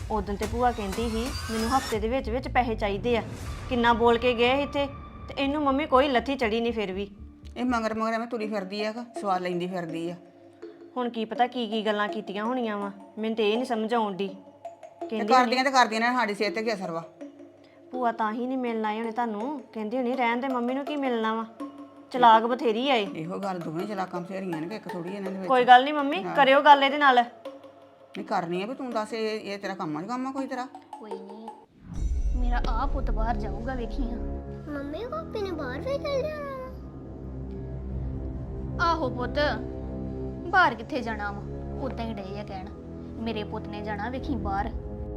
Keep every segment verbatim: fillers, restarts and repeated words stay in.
ਉਦੋਂ ਤੇ ਭੂਆ ਕਹਿੰਦੀ ਸੀ ਮੈਨੂੰ ਹਫਤੇ ਦੇ ਵਿੱਚ ਵਿੱਚ ਪੈਸੇ ਚਾਹੀਦੇ ਆ, ਕਿੰਨਾ ਬੋਲ ਕੇ ਗਏ ਇੱਥੇ ਤੇ ਇਹਨੂੰ ਮੰਮੀ ਕੋਈ ਲੱਥੀ ਚੜੀ ਨਹੀਂ ਫਿਰ ਵੀ। ਇਹ ਮਗਰ ਮਗਰ ਐਵੇਂ ਤੁਰੀ ਫਿਰਦੀ ਆ, ਸਵਾਦ ਲੈਂਦੀ ਫਿਰਦੀ ਆ। ਹੁਣ ਕੀ ਪਤਾ ਕੀ ਕੀ ਗੱਲਾਂ ਕੀਤੀਆਂ ਹੋਣੀਆਂ ਵਾ, ਮੈਨੂੰ ਤੇ ਇਹ ਨਹੀਂ ਸਮਝ ਆਉਣ ਦੀ। ਤੇ ਕਹਿੰਦੀ ਕਰਦੀਆਂ ਤੇ ਕਰਦੀਆਂ ਨੇ, ਸਾਡੀ ਸਿਹਤ ਤੇ ਕੀ ਅਸਰ ਵਾ। ਭੂਆ ਤਾਂ ਹੀ ਨਹੀਂ ਮਿਲਣ ਆਏ ਹੋਣੇ ਤੁਹਾਨੂੰ, ਕਹਿੰਦੀ ਹੋਣੀ ਰਹਿਣ ਦੇ ਮੰਮੀ ਨੂੰ ਕੀ ਮਿਲਣਾ ਵਾ, ਚਲਾਕ ਬਥੇਰੀ ਆਏ। ਇਹੋ ਗੱਲ ਦੋਵੇਂ ਚਲਾਕਾਂ ਬਥੇਰੀਆਂ ਨੇ ਕਿ ਇੱਕ ਥੋੜੀ ਇਹਨਾਂ ਦੇ ਵਿੱਚ। ਕੋਈ ਗੱਲ ਨਹੀਂ ਮੰਮੀ, ਕਰਿਓ ਗੱਲ ਇਹਦੇ ਨਾਲ। ਨਹੀਂ ਕਰਨੀ ਆ ਵੀ ਤੂੰ ਦੱਸ, ਇਹ ਇਹ ਤੇਰਾ ਕੰਮ ਆ ਕੰਮ ਆ ਕੋਈ ਤੇਰਾ? ਕੋਈ ਨਹੀਂ, ਮੇਰਾ ਆ ਪੁੱਤ ਬਾਹਰ ਜਾਊਗਾ ਵੇਖੀਆਂ। ਮੰਮੀ ਪਾਪੀ ਨੇ ਬਾਹਰ ਵੀ ਚੱਲ ਜਾਣਾ ਵਾ। ਆਹੋ ਪੁੱਤ, ਬਾਹਰ ਕਿੱਥੇ ਜਾਣਾ ਵਾ, ਉਦਾਂ ਹੀ ਡਏ ਆ ਕਹਿਣ ਮੇਰੇ ਪੁੱਤ ਨੇ ਜਾਣਾ ਵੇਖੀ ਬਾਹਰ।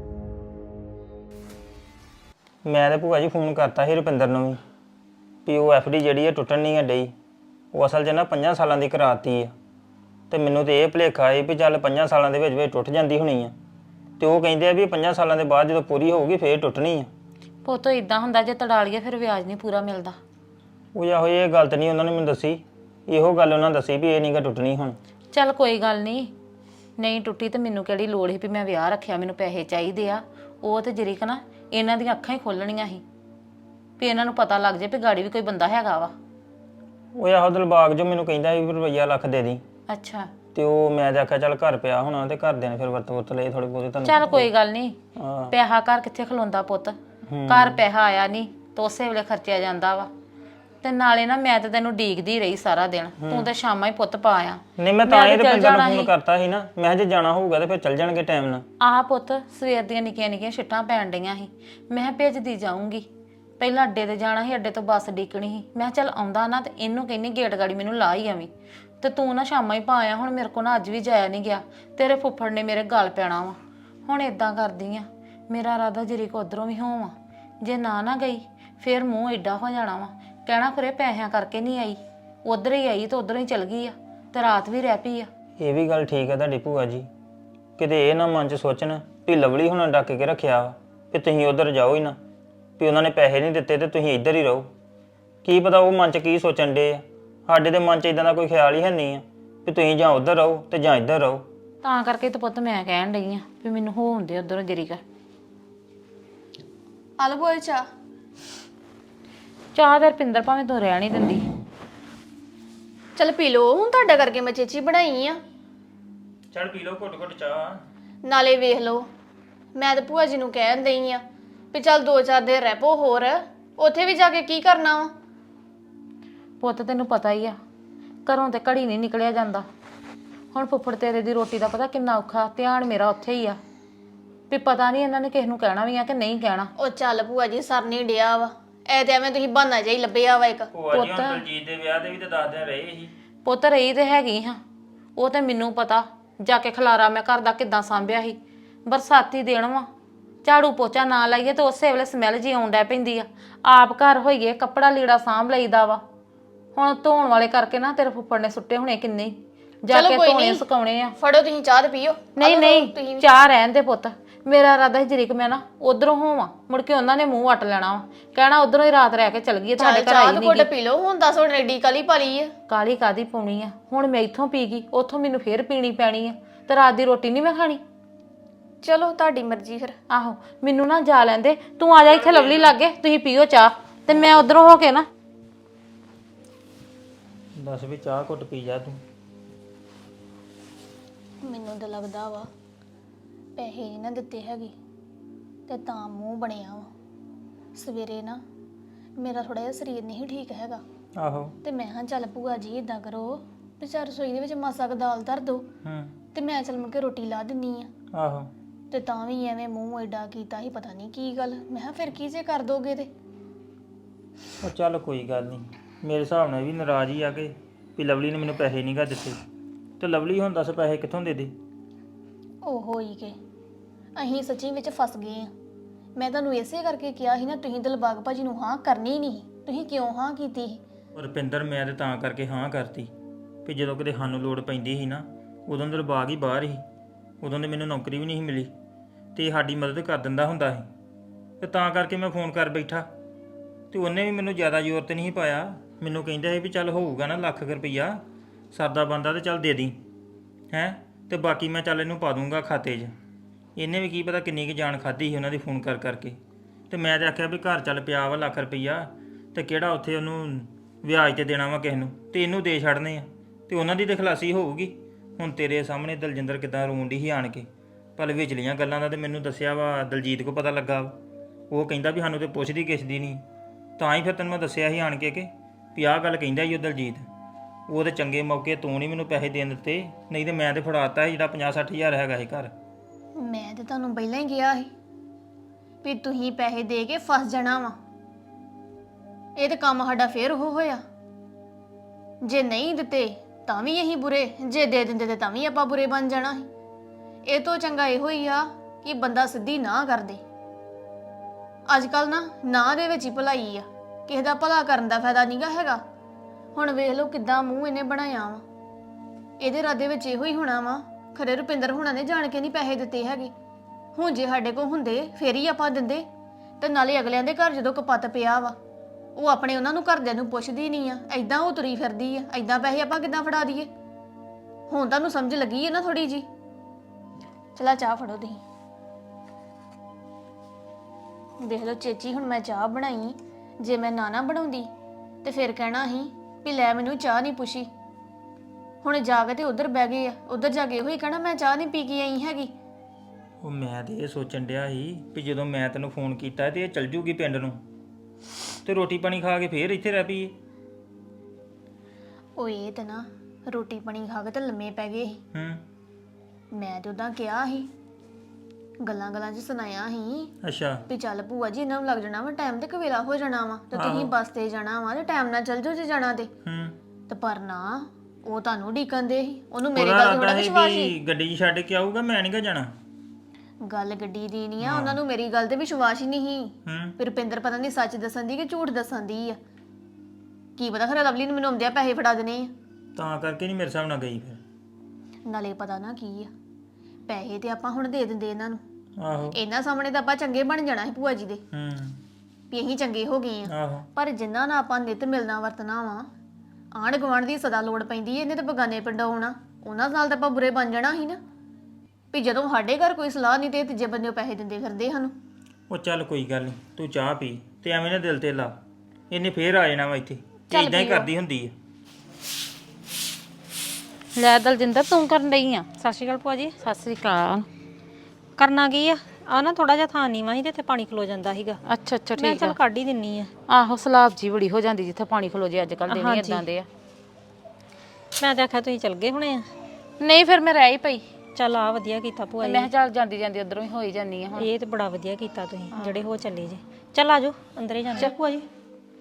ਮੈਂ ਤੇ ਭੂਆ ਜੀ ਫੋਨ ਕਰਤਾ ਸੀ ਰੁਪਿੰਦਰ ਨੂੰ ਵੀ ਵੀ ਉਹ ਐਫ ਡੀ ਜਿਹੜੀ ਹੈ ਟੁੱਟਣ ਨਹੀਂ ਹੈ ਡਈ। ਉਹ ਅਸਲ 'ਚ ਨਾ ਪੰਜਾਂ ਸਾਲਾਂ ਦੀ ਕਰਾਤੀ ਆ ਤੇ ਮੈਨੂੰ ਤੇ ਇਹ ਭੁਲੇਖਾ ਸੀ ਵੀ ਚੱਲ ਪੰਜਾਂ ਸਾਲਾਂ ਦੇ ਵਿੱਚ ਵਿੱਚ ਟੁੱਟ ਜਾਂਦੀ ਹੋਣੀ ਆ, ਤੇ ਉਹ ਕਹਿੰਦੇ ਆ ਵੀ ਪੰਜਾਂ ਸਾਲਾਂ ਦੇ ਬਾਅਦ ਜਦੋਂ ਪੂਰੀ ਹੋਊਗੀ ਫੇਰ ਟੁੱਟਣੀ ਆ। ਪੁੱਤ ਇਦਾਂ ਹੁੰਦਾ ਜੇ ਤੜਾ ਲਈਏ ਫਿਰ ਵਿਆਜ ਨਹੀਂ ਪੂਰਾ ਮਿਲਦਾ। ਉਹ ਆਹੋ ਇਹ ਗੱਲ ਤਾਂ ਨਹੀਂ ਉਹਨਾਂ ਨੇ ਮੈਨੂੰ ਦੱਸੀ, ਇਹੋ ਗੱਲ ਉਹਨਾਂ ਦੱਸੀ ਵੀ ਇਹ ਨਹੀਂ ਗਾ ਟੁੱਟਣੀ ਹੁਣ। ਚੱਲ ਕੋਈ ਗੱਲ ਨਹੀਂ, ਨਹੀਂ ਟੁੱਟੀ ਤੇ ਮੈਨੂੰ ਕਿਹੜੀ ਲੋੜ ਸੀ ਵੀ ਮੈਂ ਵਿਆਹ ਰੱਖਿਆ ਮੈਨੂੰ ਪੈਸੇ ਚਾਹੀਦੇ ਆ। ਉਹ ਤੇ ਜਰੀਕ ਨਾ ਇਹਨਾਂ ਦੀਆਂ ਅੱਖਾਂ ਹੀ ਖੋਲਣੀਆਂ ਸੀ ਵੀ ਇਹਨਾਂ ਨੂੰ ਪਤਾ ਲੱਗ ਜੇ ਵੀ ਗਾੜੀ ਵੀ ਕੋਈ ਬੰਦਾ ਹੈਗਾ ਵਾ। ਉਹ ਆਹੋ ਦਿਲਬਾਗ ਜੋ ਮੈਨੂੰ ਕਹਿੰਦਾ ਵੀ ਰੁਪਈਆ ਲੱਖ ਦੇ ਦੀ, ਅੱਛਾ ਤੇ ਉਹ ਮੈਂ ਤਾਂ ਆਖਿਆ ਚੱਲ ਘਰ ਪਿਆ ਹੋਣਾ ਤੇ ਘਰਦਿਆਂ ਨੇ ਫਿਰ ਵਰਤ ਵਰਤ ਲਏ ਥੋੜੇ ਬਹੁਤੇ ਤੁਹਾਨੂੰ। ਚੱਲ ਕੋਈ ਗੱਲ ਨਹੀਂ, ਹਾਂ ਪੈਸਾ ਘਰ ਕਿੱਥੇ ਖਲੋਂਦਾ ਪੁੱਤ, ਘਰ ਪੈਸਾ ਆਇਆ ਨਹੀਂ ਤਾਂ ਉਸੇ ਵੇਲੇ ਖਰਚਿਆ ਜਾਂਦਾ ਵਾ। ਤੇ ਨਾਲੇ ਨਾ ਮੈਂ ਤਾਂ ਤੈਨੂੰ ਡੀਕਦੀ ਰਹੀ ਸਾਰਾ ਦਿਨ, ਤੂੰ ਤਾਂ ਸ਼ਾਮਾਂ ਹੀ ਪੁੱਤ ਪਾ ਆ। ਨਹੀਂ ਮੈਂ ਤਾਂ ਇਹ ਰੁਪਿੰਦਰ ਨੂੰ ਫੋਨ ਕਰਤਾ ਸੀ ਨਾ, ਮੈਂ ਕਿਹਾ ਜੇ ਜਾਣਾ ਹੋਊਗਾ ਤੇ ਫਿਰ ਚੱਲ ਜਾਣਗੇ ਟਾਈਮ ਨਾਲ। ਆਹ ਪੁੱਤ ਸਵੇਰ ਦੀਆਂ ਨਿੱਕੀਆਂ ਨਿੱਕੀਆਂ ਛਿੱਟਾਂ ਪੈਣ ਡਈਆਂ ਸੀ, ਮੈਂ ਕਿਹਾ ਭੇਜਦੀ ਜਾਊਂਗੀ। ਪਹਿਲਾਂ ਅੱਡੇ ਤੇ ਜਾਣਾ ਸੀ, ਅੱਡੇ ਤੋਂ ਬੱਸ ਡੀਕਣੀ ਸੀ, ਮੈਂ ਕਿਹਾ ਚੱਲ ਆਉਂਦਾ ਨਾ ਤੇ ਇਹਨੂੰ ਕਹਿੰਨੀ ਗੇਟ ਗਾੜੀ ਮੈਨੂੰ ਲਾ ਹੀ ਆਵੀਂ। ਤੇ ਤੂੰ ਨਾ ਸ਼ਾਮਾਂ ਹੀ ਪਾਇਆ, ਹੁਣ ਮੇਰੇ ਕੋਲ ਨਾ ਅੱਜ ਵੀ ਜਾਇਆ ਨਹੀਂ ਗਿਆ, ਤੇਰੇ ਫੁੱਫੜ ਨੇ ਮੇਰੇ ਗਲ ਪੈਣਾ ਵਾ। ਹੁਣ ਇਦਾਂ ਕਰਦੀ ਆ, ਮੇਰਾ ਇਰਾਦਾ ਜਰੀ ਕੋ ਉਧਰੋਂ ਵੀ ਹੋਵਾਂ, ਜੇ ਨਾ ਨਾ ਗਈ ਫੇਰ ਮੂੰਹ ਏਡਾ ਹੋ ਜਾਣਾ ਵਾ, ਕਹਿਣਾ ਖਰੇ ਪੈਸਿਆਂ ਕਰਕੇ ਨਹੀਂ ਆਈ, ਉਧਰ ਹੀ ਆਈ ਤੇ ਉਧਰੋਂ ਹੀ ਚਲ ਗਈ ਆ ਤੇ ਰਾਤ ਵੀ ਰਹਿ ਪਈ ਆ। ਇਹ ਵੀ ਗੱਲ ਠੀਕ ਹੈ ਤੁਹਾਡੀ ਭੂਆ ਜੀ, ਕਿਤੇ ਇਹ ਨਾ ਮਨ 'ਚ ਸੋਚਣ ਵੀ ਲਵਲੀ ਹੁਣਾਂ ਡੱਕ ਕੇ ਰੱਖਿਆ ਵਾ ਵੀ ਤੁਸੀਂ ਉਧਰ ਜਾਓ ਹੀ ਨਾ, ਵੀ ਉਹਨਾਂ ਨੇ ਪੈਸੇ ਨਹੀਂ ਦਿੱਤੇ ਤੇ ਤੁਸੀਂ ਇੱਧਰ ਹੀ ਰਹੋ। ਕੀ ਪਤਾ ਉਹ ਮਨ 'ਚ ਕੀ ਸੋਚਣ ਡੇ ਆ, ਸਾਡੇ ਦੇ ਮਨ 'ਚ ਇਦਾਂ ਦਾ ਕੋਈ ਖਿਆਲ ਹੀ ਹੈ ਨਹੀਂ ਆ ਵੀ ਤੁਸੀਂ ਜਾਂ ਉਧਰ ਰਹੋ ਤੇ ਜਾਂ ਇੱਧਰ ਰਹੋ। ਤਾਂ ਕਰਕੇ ਤੇ ਪੁੱਤ ਮੈਂ ਕਹਿਣ ਡਈ ਆ ਵੀ ਮੈਨੂੰ ਹੋਣ ਦੇ ਉਧਰੋਂ ਜਰੀ ਕਰ। ਆਲੂ ਬੋਲ ਚਾ ਚਾਹ ਤੇ ਰਪਿੰਦਰ ਭਾਵੇਂ ਤੂੰ ਰਹਿ ਨਹੀਂ ਦਿੰਦੀ। ਚੱਲ ਪੀ ਲਓ, ਹੁਣ ਤੁਹਾਡਾ ਕਰਕੇ ਮੈਂ ਚੇਚੀ ਬਣਾਈ ਆ। ਚੱਲ ਪੀ ਲਓ ਘੁੱਟ ਘੁੱਟ ਚਾਹ। ਨਾਲੇ ਵੇਖ ਲਓ, ਮੈਂ ਤਾਂ ਭੂਆ ਜੀ ਨੂੰ ਕਹਿਣ ਦਈ ਆ ਵੀ ਚੱਲ ਦੋ ਚਾਰ ਦਿਨ ਰਹਿ ਪੋ ਹੋਰ, ਉੱਥੇ ਵੀ ਜਾ ਕੇ ਕੀ ਕਰਨਾ ਵਾ। ਪੁੱਤ ਤੈਨੂੰ ਪਤਾ ਹੀ ਆ ਘਰੋਂ ਤੇ ਘੜੀ ਨਹੀਂ ਨਿਕਲਿਆ ਜਾਂਦਾ। ਹੁਣ ਫੁੱਫੜ ਤੇਰੇ ਦੀ ਰੋਟੀ ਦਾ ਪਤਾ ਕਿੰਨਾ ਔਖਾ, ਧਿਆਨ ਮੇਰਾ ਉੱਥੇ ਹੀ ਆ ਵੀ ਪਤਾ ਨਹੀਂ ਇਹਨਾਂ ਨੇ ਕਿਸ ਨੂੰ ਕਹਿਣਾ ਵੀ ਆ ਕਿ ਨਹੀਂ ਕਹਿਣਾ। ਉਹ ਚੱਲ ਭੂਆ ਜੀ ਸਰ ਨਹੀਂ ਡਿਆ ਵਾ, ਐ ਤੇ ਐਵੇਂ ਤੁਸੀਂ ਬਹਾਨਾ ਜਿਹਾ ਹੀ ਲੱਭਿਆ ਵਾ ਇੱਕ। ਭੂਆ ਜੀ ਹੁਣ ਦਲਜੀਤ ਦੇ ਵਿਆਹ ਦੇ ਵੀ ਤਾਂ ਦਸ ਦਿਨ ਰਹੇ ਸੀ। ਪੁੱਤ ਰਹੀ ਤੇ ਹੈਗੀ ਹਾਂ, ਉਹ ਤੇ ਮੈਨੂੰ ਪਤਾ ਜਾ ਕੇ ਖਲਾਰਾ ਮੈਂ ਘਰ ਦਾ ਕਿੱਦਾਂ ਸਾਂਭਿਆ ਸੀ। ਬਰਸਾਤੀ ਦੇਣ ਵਾ, ਝਾੜੂ ਪੋਚਾ ਨਾ ਲਾਈਏ ਤੇ ਉਸੇ ਵੇਲੇ ਸਮੈਲ ਜੀ ਆਉਣ ਡੈ ਪੈਂਦੀ ਆ। ਆਪ ਘਰ ਹੋਈਏ ਕੱਪੜਾ ਲੀੜਾ ਸਾਂਭ ਲਈਦਾ ਵਾ। ਹੁਣ ਧੋਣ ਵਾਲੇ ਕਰਕੇ ਨਾ ਤੇਰੇ ਫੁੱਫੜ ਨੇ ਸੁੱਟੇ ਹੋਣੇ ਕਿੰਨੇ, ਜਾ ਕੇ ਧੋਣੇ ਸੁਕਾਉਣੇ ਆ। ਫੜੋ ਤੁਸੀਂ ਚਾਹ ਤੇ ਪੀਓ। ਨਹੀਂ ਨਹੀਂ ਚਾਹ ਰਹਿਣ ਦੇ ਪੁੱਤ, ਮੇਰਾ ਇਰਾਦਾ ਸੀ ਜਰੀਕ ਮੈਂ ਨਾ ਉਧਰੋਂ ਹੋਵਾਂ, ਮੁੜ ਕੇ ਉਹਨਾਂ ਨੇ ਮੂੰਹ ਵੱਟ ਲੈਣਾ ਵਾ, ਕਹਿਣਾ ਉਧਰੋਂ ਹੀ ਰਾਤ ਰਹਿ ਕੇ ਚਲ ਗਈ ਤੁਹਾਡੇ ਘਰ ਆਈ ਚਾਹ ਨਹੀਂ। ਘੁੱਟ ਪੀ ਲਓ ਹੁਣ, ਦੱਸ ਹੁਣ ਰੈਡੀ ਕਾਲੀ ਪਾਲੀ ਆ। ਕਾਲੀ ਕਾਦੀ ਪਾਉਣੀ ਆ, ਹੁਣ ਮੈਂ ਇੱਥੋਂ ਪੀ ਗਈ ਉੱਥੋਂ ਮੈਨੂੰ ਫੇਰ ਪੀਣੀ ਪੈਣੀ ਆ, ਤੇ ਰਾਤ ਦੀ ਰੋਟੀ ਨਹੀਂ ਮੈਂ ਖਾਣੀ। ਚਲੋ ਤੁਹਾਡੀ ਮਰਜ਼ੀ ਫਿਰ। ਆਹੋ ਮੈਨੂੰ ਨਾ ਜਾ ਲੈਂਦੇ, ਤੂੰ ਆ ਜਾ ਇੱਥੇ ਲਵਲੀ ਲਾਗੇ, ਤੁਸੀਂ ਪੀਓ ਚਾਹ ਤੇ ਮੈਂ ਉਧਰੋਂ ਹੋ ਕੇ ਨਾ। ਦੱਸ ਵੀ ਚਾਹ ਘੁੱਟ ਪੀ ਜਾ ਤੂੰ। ਮੈਨੂੰ ਤਾਂ ਲੱਗਦਾ ਵਾ ਪੈਸੇ ਨਹੀਂ ਨਾ ਦਿੱਤੇ ਹੈਗੇ ਤੇ ਤਾਂ ਮੂੰਹ ਬਣਿਆ ਵਾ। ਸਵੇਰੇ ਨਾ ਮੇਰਾ ਥੋੜਾ ਜਿਹਾ ਸਰੀਰ ਨਹੀਂ ਠੀਕ ਹੈਗਾ, ਆਹੋ ਤੇ ਮੈਂ ਹਾਂ ਚੱਲ ਭੂਆ ਜੀ ਇਦਾਂ ਕਰੋ ਵੀ ਚਾਰ ਰਸੋਈ ਦੇ ਵਿੱਚ ਮਾਸਾ ਕ ਦਾਲ ਧਰ ਦੋ ਹੂੰ ਤੇ ਮੈਂ ਚੱਲ ਮੁੜ ਕੇ ਰੋਟੀ ਲਾ ਦਿੰਨੀ ਆ। ਆਹੋ ਤੇ ਤਾਂ ਵੀ ਐਵੇਂ ਮੂੰਹ ਐਡਾ ਕੀਤਾ ਸੀ, ਪਤਾ ਨਹੀਂ ਕੀ ਗੱਲ। ਮੈਂ ਕਿਹਾ ਫਿਰ ਕੀ ਜੇ ਕਰ ਦੋਗੇ ਤੇ। ਉਹ ਚੱਲ ਕੋਈ ਗੱਲ ਨਹੀਂ, ਮੇਰੇ ਹਿਸਾਬ ਨਾਲ ਵੀ ਨਾਰਾਜ਼ ਹੀ ਆ ਕੇ ਵੀ ਲਵਲੀ ਨੇ ਮੈਨੂੰ ਪੈਸੇ ਨਹੀਂ ਗਾ ਦਿੱਤੇ, ਤੇ ਲਵਲੀ ਹੁਣ ਦੱਸ ਪੈਸੇ ਕਿੱਥੋਂ ਦੇ ਦੇ। ਉਹ ਹੋਈ ਕਿ ਅਸੀਂ ਸੱਚੀ ਵਿੱਚ ਫਸ ਗਏ ਆ। ਮੈਂ ਤੁਹਾਨੂੰ ਇਸੇ ਕਰਕੇ ਕਿਹਾ ਸੀ ਨਾ, ਤੁਸੀਂ ਦਿਲਬਾਗ ਭਾਜੀ ਨੂੰ ਹਾਂ ਕਰਨੀ ਨਹੀਂ, ਤੁਸੀਂ ਕਿਉਂ ਹਾਂ ਕੀਤੀ? ਰੁਪਿੰਦਰ ਮੈਂ ਤੇ ਤਾਂ ਕਰਕੇ ਹਾਂ ਕਰਤੀ ਵੀ ਜਦੋਂ ਕਿਤੇ ਸਾਨੂੰ ਲੋੜ ਪੈਂਦੀ ਸੀ ਨਾ, ਉਦੋਂ ਦਿਲਬਾਗ ਹੀ ਬਾਹਰ ਸੀ, ਉਦੋਂ ਤੇ ਮੈਨੂੰ ਨੌਕਰੀ ਵੀ ਨਹੀਂ ਸੀ ਮਿਲੀ, ਤੇ ਸਾਡੀ ਮਦਦ ਕਰ ਦਿੰਦਾ ਹੁੰਦਾ ਸੀ, ਤੇ ਤਾਂ ਕਰਕੇ ਮੈਂ ਫੋਨ ਕਰ ਬੈਠਾ। ਤੇ ਉਹਨੇ ਵੀ ਮੈਨੂੰ ਜ਼ਿਆਦਾ ਜ਼ੋਰ ਤੇ ਨਹੀਂ ਪਾਇਆ, ਮੈਨੂੰ ਕਹਿੰਦਾ ਸੀ ਵੀ ਚੱਲ ਹੋਊਗਾ ਨਾ ਲੱਖ ਕੁ ਰੁਪਈਆ ਸਰਦਾ ਬੰਦਾ ਤੇ ਚੱਲ ਦੇ ਦੀ ਹੈਂ, ਤੇ ਬਾਕੀ ਮੈਂ ਚੱਲ ਇਹਨੂੰ ਪਾ ਦੂੰਗਾ ਖਾਤੇ 'ਚ। ਇਹਨੇ ਵੀ ਕੀ ਪਤਾ ਕਿੰਨੀ ਕੁ ਜਾਨ ਖਾਧੀ ਸੀ ਉਹਨਾਂ ਦੀ ਫੋਨ ਕਰ ਕਰਕੇ। ਤੇ ਮੈਂ ਤੇ ਆਖਿਆ ਵੀ ਘਰ ਚੱਲ ਪਿਆ ਵਾ ਲੱਖ ਰੁਪਈਆ, ਤੇ ਕਿਹੜਾ ਉੱਥੇ ਉਹਨੂੰ ਵਿਆਜ ਤੇ ਦੇਣਾ ਵਾ ਕਿਸੇ ਨੂੰ, ਤੇ ਇਹਨੂੰ ਦੇ ਛੱਡਨੇ ਆ ਤੇ ਉਹਨਾਂ ਦੀ ਤੇ ਖਲਾਸੀ ਹੋਊਗੀ। ਹੁਣ ਤੇਰੇ ਸਾਹਮਣੇ ਦਲਜਿੰਦਰ ਕਿਦਾਂ ਰੋਣ ਡਈ ਸੀ ਆਣ ਕੇ, ਪਰ ਵਿਚਲੀਆਂ ਗੱਲਾਂ ਦਾ ਤੇ ਮੈਨੂੰ ਦੱਸਿਆ ਵਾ ਦਲਜੀਤ ਕੋ ਪਤਾ ਲੱਗਾ ਵਾ। ਉਹ ਕਹਿੰਦਾ ਵੀ ਸਾਨੂੰ ਤੇ ਪੁੱਛਦੀ ਕਿਸ ਦੀ ਨਹੀਂ, ਤਾਂ ਹੀ ਫਿਰ ਤੈਨੂੰ ਮੈਂ ਦੱਸਿਆ ਸੀ ਆਣ ਕੇ ਕਿ ਵੀ ਆਹ ਗੱਲ ਕਹਿੰਦਾ ਹੀ ਉਹ ਦਲਜੀਤ। ਉਹ ਤੇ ਚੰਗੇ ਮੌਕੇ ਤੂੰ ਨਹੀਂ ਮੈਨੂੰ ਪੈਸੇ ਦੇਣ ਦਿੱਤੇ, ਨਹੀਂ ਤੇ ਮੈਂ ਤੇ ਫੜਾਤਾ ਸੀ ਜਿਹੜਾ ਪੰਜਾਹ ਸੱਠ ਹਜ਼ਾਰ ਹੈਗਾ ਸੀ ਘਰ। ਮੈਂ ਤੇ ਤੁਹਾਨੂੰ ਪਹਿਲਾਂ ਹੀ ਕਿਹਾ ਸੀ ਵੀ ਤੁਸੀਂ ਪੈਸੇ ਦੇ ਕੇ ਫਸ ਜਾਣਾ ਵਾ। ਇਹ ਤੇ ਕੰਮ ਸਾਡਾ ਫੇਰ ਉਹ ਹੋਇਆ। ਜੇ ਨਹੀਂ ਦਿੱਤੇ ਤਾਂ ਵੀ ਅਸੀਂ ਬੁਰੇ, ਜੇ ਦੇ ਦਿੰਦੇ ਤੇ ਤਾਂ ਵੀ ਆਪਾਂ ਬੁਰੇ ਬਣ ਜਾਣਾ ਸੀ। ਇਹ ਤੋਂ ਚੰਗਾ ਇਹੋ ਹੀ ਆ ਕਿ ਬੰਦਾ ਸਿੱਧੀ ਨਾ ਕਰ ਦੇ। ਅੱਜ ਕੱਲ ਨਾ ਨਾ ਦੇ ਵਿੱਚ ਹੀ ਭਲਾਈ ਆ, ਕਿਸੇ ਦਾ ਭਲਾ ਕਰਨ ਦਾ ਫਾਇਦਾ ਨਹੀਂਗਾ ਹੈਗਾ। ਹੁਣ ਵੇਖ ਲਓ ਕਿੱਦਾਂ ਮੂੰਹ ਇਹਨੇ ਬਣਾਇਆ ਵਾ। ਇਹਦੇ ਇਰਾਦੇ ਵਿੱਚ ਇਹੋ ਹੀ ਹੋਣਾ ਵਾ, ਖਰੇ ਰੁਪਿੰਦਰ ਹੁਣਾਂ ਨੇ ਜਾਣ ਕੇ ਨਹੀਂ ਪੈਸੇ ਦਿੱਤੇ ਹੈਗੇ। ਹੁਣ ਜੇ ਸਾਡੇ ਕੋਲ ਹੁੰਦੇ ਫੇਰ ਹੀ ਆਪਾਂ ਦਿੰਦੇ। ਤੇ ਨਾਲੇ ਅਗਲਿਆਂ ਦੇ ਘਰ ਜਦੋਂ ਕਪੱਤ ਪਿਆ ਵਾ, ਉਹ ਆਪਣੇ ਉਹਨਾਂ ਨੂੰ ਘਰਦਿਆਂ ਨੂੰ ਪੁੱਛਦੀ ਨਹੀਂ ਆ, ਐਦਾਂ ਉਹ ਤੁਰੀ ਫਿਰਦੀ ਆ। ਐਦਾਂ ਪੈਸੇ ਆਪਾਂ ਕਿੱਦਾਂ ਫੜਾ ਦਈਏ? ਹੁਣ ਤੁਹਾਨੂੰ ਸਮਝ ਲੱਗੀ ਹੈ ਨਾ ਥੋੜੀ ਜੀ। ਚਲਾ ਚਾਹ ਫੜੋ ਤੁਸੀਂ। ਦੇਖ ਲਓ ਚੇਚੀ, ਹੁਣ ਮੈਂ ਚਾਹ ਬਣਾਈ, ਜੇ ਮੈਂ ਨਾ ਨਾ ਬਣਾਉਂਦੀ ਤੇ ਫਿਰ ਕਹਿਣਾ ਸੀ ਵੀ ਲੈ ਮੈਨੂੰ ਚਾਹ ਨਹੀਂ ਪੁੱਛੀ। ਹੁਣ ਜਾ ਕੇ ਤੇ ਉਧਰ ਬਹਿ ਗਏ ਆ, ਉਧਰ ਜਾ ਕੇ ਇਹੋ ਹੀ ਕਹਿਣਾ ਮੈਂ ਚਾਹ ਨਹੀਂ ਪੀ ਕੇ ਆਈ ਹੈਗੀ। ਉਹ ਮੈਂ ਤੇ ਇਹ ਸੋਚਣ ਡਿਆ ਸੀ ਵੀ ਜਦੋਂ ਮੈਂ ਤੈਨੂੰ ਫੋਨ ਕੀਤਾ ਤੇ ਇਹ ਚਲ ਜੂਗੀ ਪਿੰਡ ਨੂੰ, ਤੇ ਰੋਟੀ ਪਾਣੀ ਖਾ ਕੇ ਫੇਰ ਇੱਥੇ ਰਹਿ ਪਈਏ। ਉਹ ਇਹ ਤਾਂ ਨਾ ਰੋਟੀ ਪਾਣੀ ਖਾ ਕੇ ਤੇ ਲੰਮੇ ਪੈ ਗਏ ਸੀ। ਹੂੰ। ਮੈਂ ਤੇ ਉਦਾਂ ਕਿਹਾ ਸੀ, ਗੱਲਾਂ ਗੱਲਾਂ 'ਚ ਸੁਣਾਇਆ ਸੀ ਅੱਛਾ। ਵੀ ਚੱਲ ਭੂਆ ਜੀ ਇਹਨਾਂ ਨੂੰ ਲੱਗ ਜਾਣਾ ਵਾ ਟਾਈਮ, ਤੇ ਕਵੇਲਾ ਹੋ ਜਾਣਾ ਵਾ, ਤੇ ਤੁਸੀਂ ਬੱਸ ਤੇ ਜਾਣਾ ਵਾ ਤੇ ਟਾਈਮ ਨਾਲ ਚੱਲ ਜਾਓ ਜੇ ਜਾਣਾ ਤੇ। ਹੂੰ। ਤੇ ਪਰ ਨਾ, ਉਹ ਤੁਹਾਨੂੰ ਢੀਕਣ ਦੇ ਸੀ। ਉਹਨੂੰ ਮੇਰੀ ਗੱਲ ਤੇ ਬੜਾ ਵਿਸ਼ਵਾਸ ਸੀ। ਗੱਡੀ 'ਚ ਛੱਡ ਕੇ ਆਊਗਾ, ਮੈਂ ਨਹੀਂ ਗਾ ਜਾਣਾ। ਗੱਲ ਗੱਡੀ ਦੀ ਨਹੀਂ ਆ, ਉਹਨਾਂ ਨੂੰ ਮੇਰੀ ਗੱਲ ਤੇ ਵਿਸ਼ਵਾਸ ਹੀ ਨਹੀਂ ਸੀ। ਹੂੰ। ਫਿਰ ਰੁਪਿੰਦਰ ਪਤਾ ਨਹੀਂ ਸੱਚ ਦੱਸਣ ਦੀ ਕਿ ਝੂਠ ਦੱਸਣ ਦੀ ਆ, ਕੀ ਪਤਾ। ਖਰੇ ਲਵਲੀ ਨੂੰ ਮੈਨੂੰ ਆਉਂਦਿਆਂ ਪੈਸੇ ਫੜਾ ਦੇਣੇ ਆ, ਤਾਂ ਕਰਕੇ ਨਹੀਂ ਮੇਰੇ ਹਿਸਾਬ ਨਾਲ ਗਈ ਫਿਰ। ਨਾਲੇ ਪਤਾ ਨਾ ਕੀ ਆ, ਪੈਸੇ ਤੇ ਆਪਾਂ ਹੁਣ ਦੇ ਦਿੰਦੇ ਇਹਨਾਂ ਨੂੰ। ਆਹੋ। ਇਹਨਾਂ ਸਾਹਮਣੇ ਤਾਂ ਆਪਾਂ ਚੰਗੇ ਬਣ ਜਾਣਾ ਸੀ ਭੂਆ ਜੀ ਦੇ, ਹੂੰ। ਵੀ ਅਸੀਂ ਚੰਗੇ ਹੋ ਗਏ ਆ। ਆਹੋ। ਪਰ ਜਿਨ੍ਹਾਂ ਨਾਲ ਆਪਾਂ ਨਿੱਤ ਮਿਲਣਾ ਵਰਤਣਾ ਵਾ, ਆਂਢ ਗੁਆਂਢ ਦੀ ਸਦਾ ਲੋੜ ਪੈਂਦੀ ਹੈ, ਇਹਨੇ ਤਾਂ ਬਗਾਨੇ ਪਿੰਡੋਂ ਆਉਣਾ, ਉਹਨਾਂ ਨਾਲ ਤਾਂ ਆਪਾਂ ਬੁਰੇ ਬਣ ਜਾਣਾ ਸੀ ਨਾ। ਵੀ ਜਦੋਂ ਸਾਡੇ ਘਰ ਕੋਈ ਸਲਾਹ ਨਹੀਂ ਤੇ ਤੀਜੇ ਬੰਦੇ ਪੈਸੇ ਦਿੰਦੇ ਫਿਰਦੇ ਸਾਨੂੰ। ਉਹ ਚੱਲ ਕੋਈ ਗੱਲ ਨਹੀਂ, ਤੂੰ ਚਾਹ ਪੀ ਤੇ ਐਵੇਂ ਨਾ ਦਿਲ ਤੇ ਲਾ, ਇਹਨੇ ਫੇਰ ਆ ਜਾਣਾ ਵਾ ਇੱਥੇ। ਇਦਾਂ ਹੀ ਕਰਦੀ ਹੁੰਦੀ ਹੈ। ਲੈ ਦਲਜਿੰਦਰ, ਤੂੰ ਕਰਨ ਡਈ ਆ? ਸਤਿ ਸ਼੍ਰੀ ਅਕਾਲ ਭੂਆ ਜੀ। ਸਤਿ ਸ੍ਰੀ ਅਕਾਲ। ਕਰਨਾ ਕੀ ਆ, ਆ ਨਾ ਥੋੜਾ ਜਿਹਾ ਥਾਂ ਨੀਵਾਂ ਸੀ ਤੇ ਇੱਥੇ ਪਾਣੀ ਖਲੋ ਜਾਂਦਾ ਸੀਗਾ। ਅੱਛਾ ਅੱਛਾ ਮੈਂ ਠੀਕ ਚਲ ਆ। ਕੱਢ ਹੀ ਦਿੰਨੀ ਆ। ਆਹੋ, ਸਲਾਬ ਜੀ ਬੜੀ ਹੋ ਜਾਂਦੀ ਜਿੱਥੇ ਪਾਣੀ ਖਲੋ ਜੇ। ਅੱਜ ਕੱਲ ਦੇ ਨਹੀਂ ਇਦਾਂ ਦੇ ਆ। ਮੈਂ ਤਾਂ ਆਖਿਆ ਤੁਸੀਂ ਚਲ ਗਏ ਹੋਣੇ ਆ। ਨਹੀਂ, ਫਿਰ ਮੈਂ ਰਹਿ ਹੀ ਪਈ। ਚੱਲ ਆ ਵਧੀਆ ਕੀਤਾ ਭੂਆ ਜੀ। ਮੈਂ ਕਿਹਾ ਚੱਲ ਜਾਂਦੀ ਜਾਂਦੀ ਉਧਰੋਂ ਹੀ ਹੋਈ ਜਾਨੀ ਆ ਹੁਣ। ਇਹ ਤੇ ਬੜਾ ਵਧੀਆ ਕੀਤਾ ਤੁਸੀਂ ਜਿਹੜੇ ਹੋ ਚੱਲੇ ਜੇ। ਚੱਲ ਆਜੋ ਅੰਦਰ ਹੀ ਜਾਂਦੇ ਭੂਆ ਜੀ।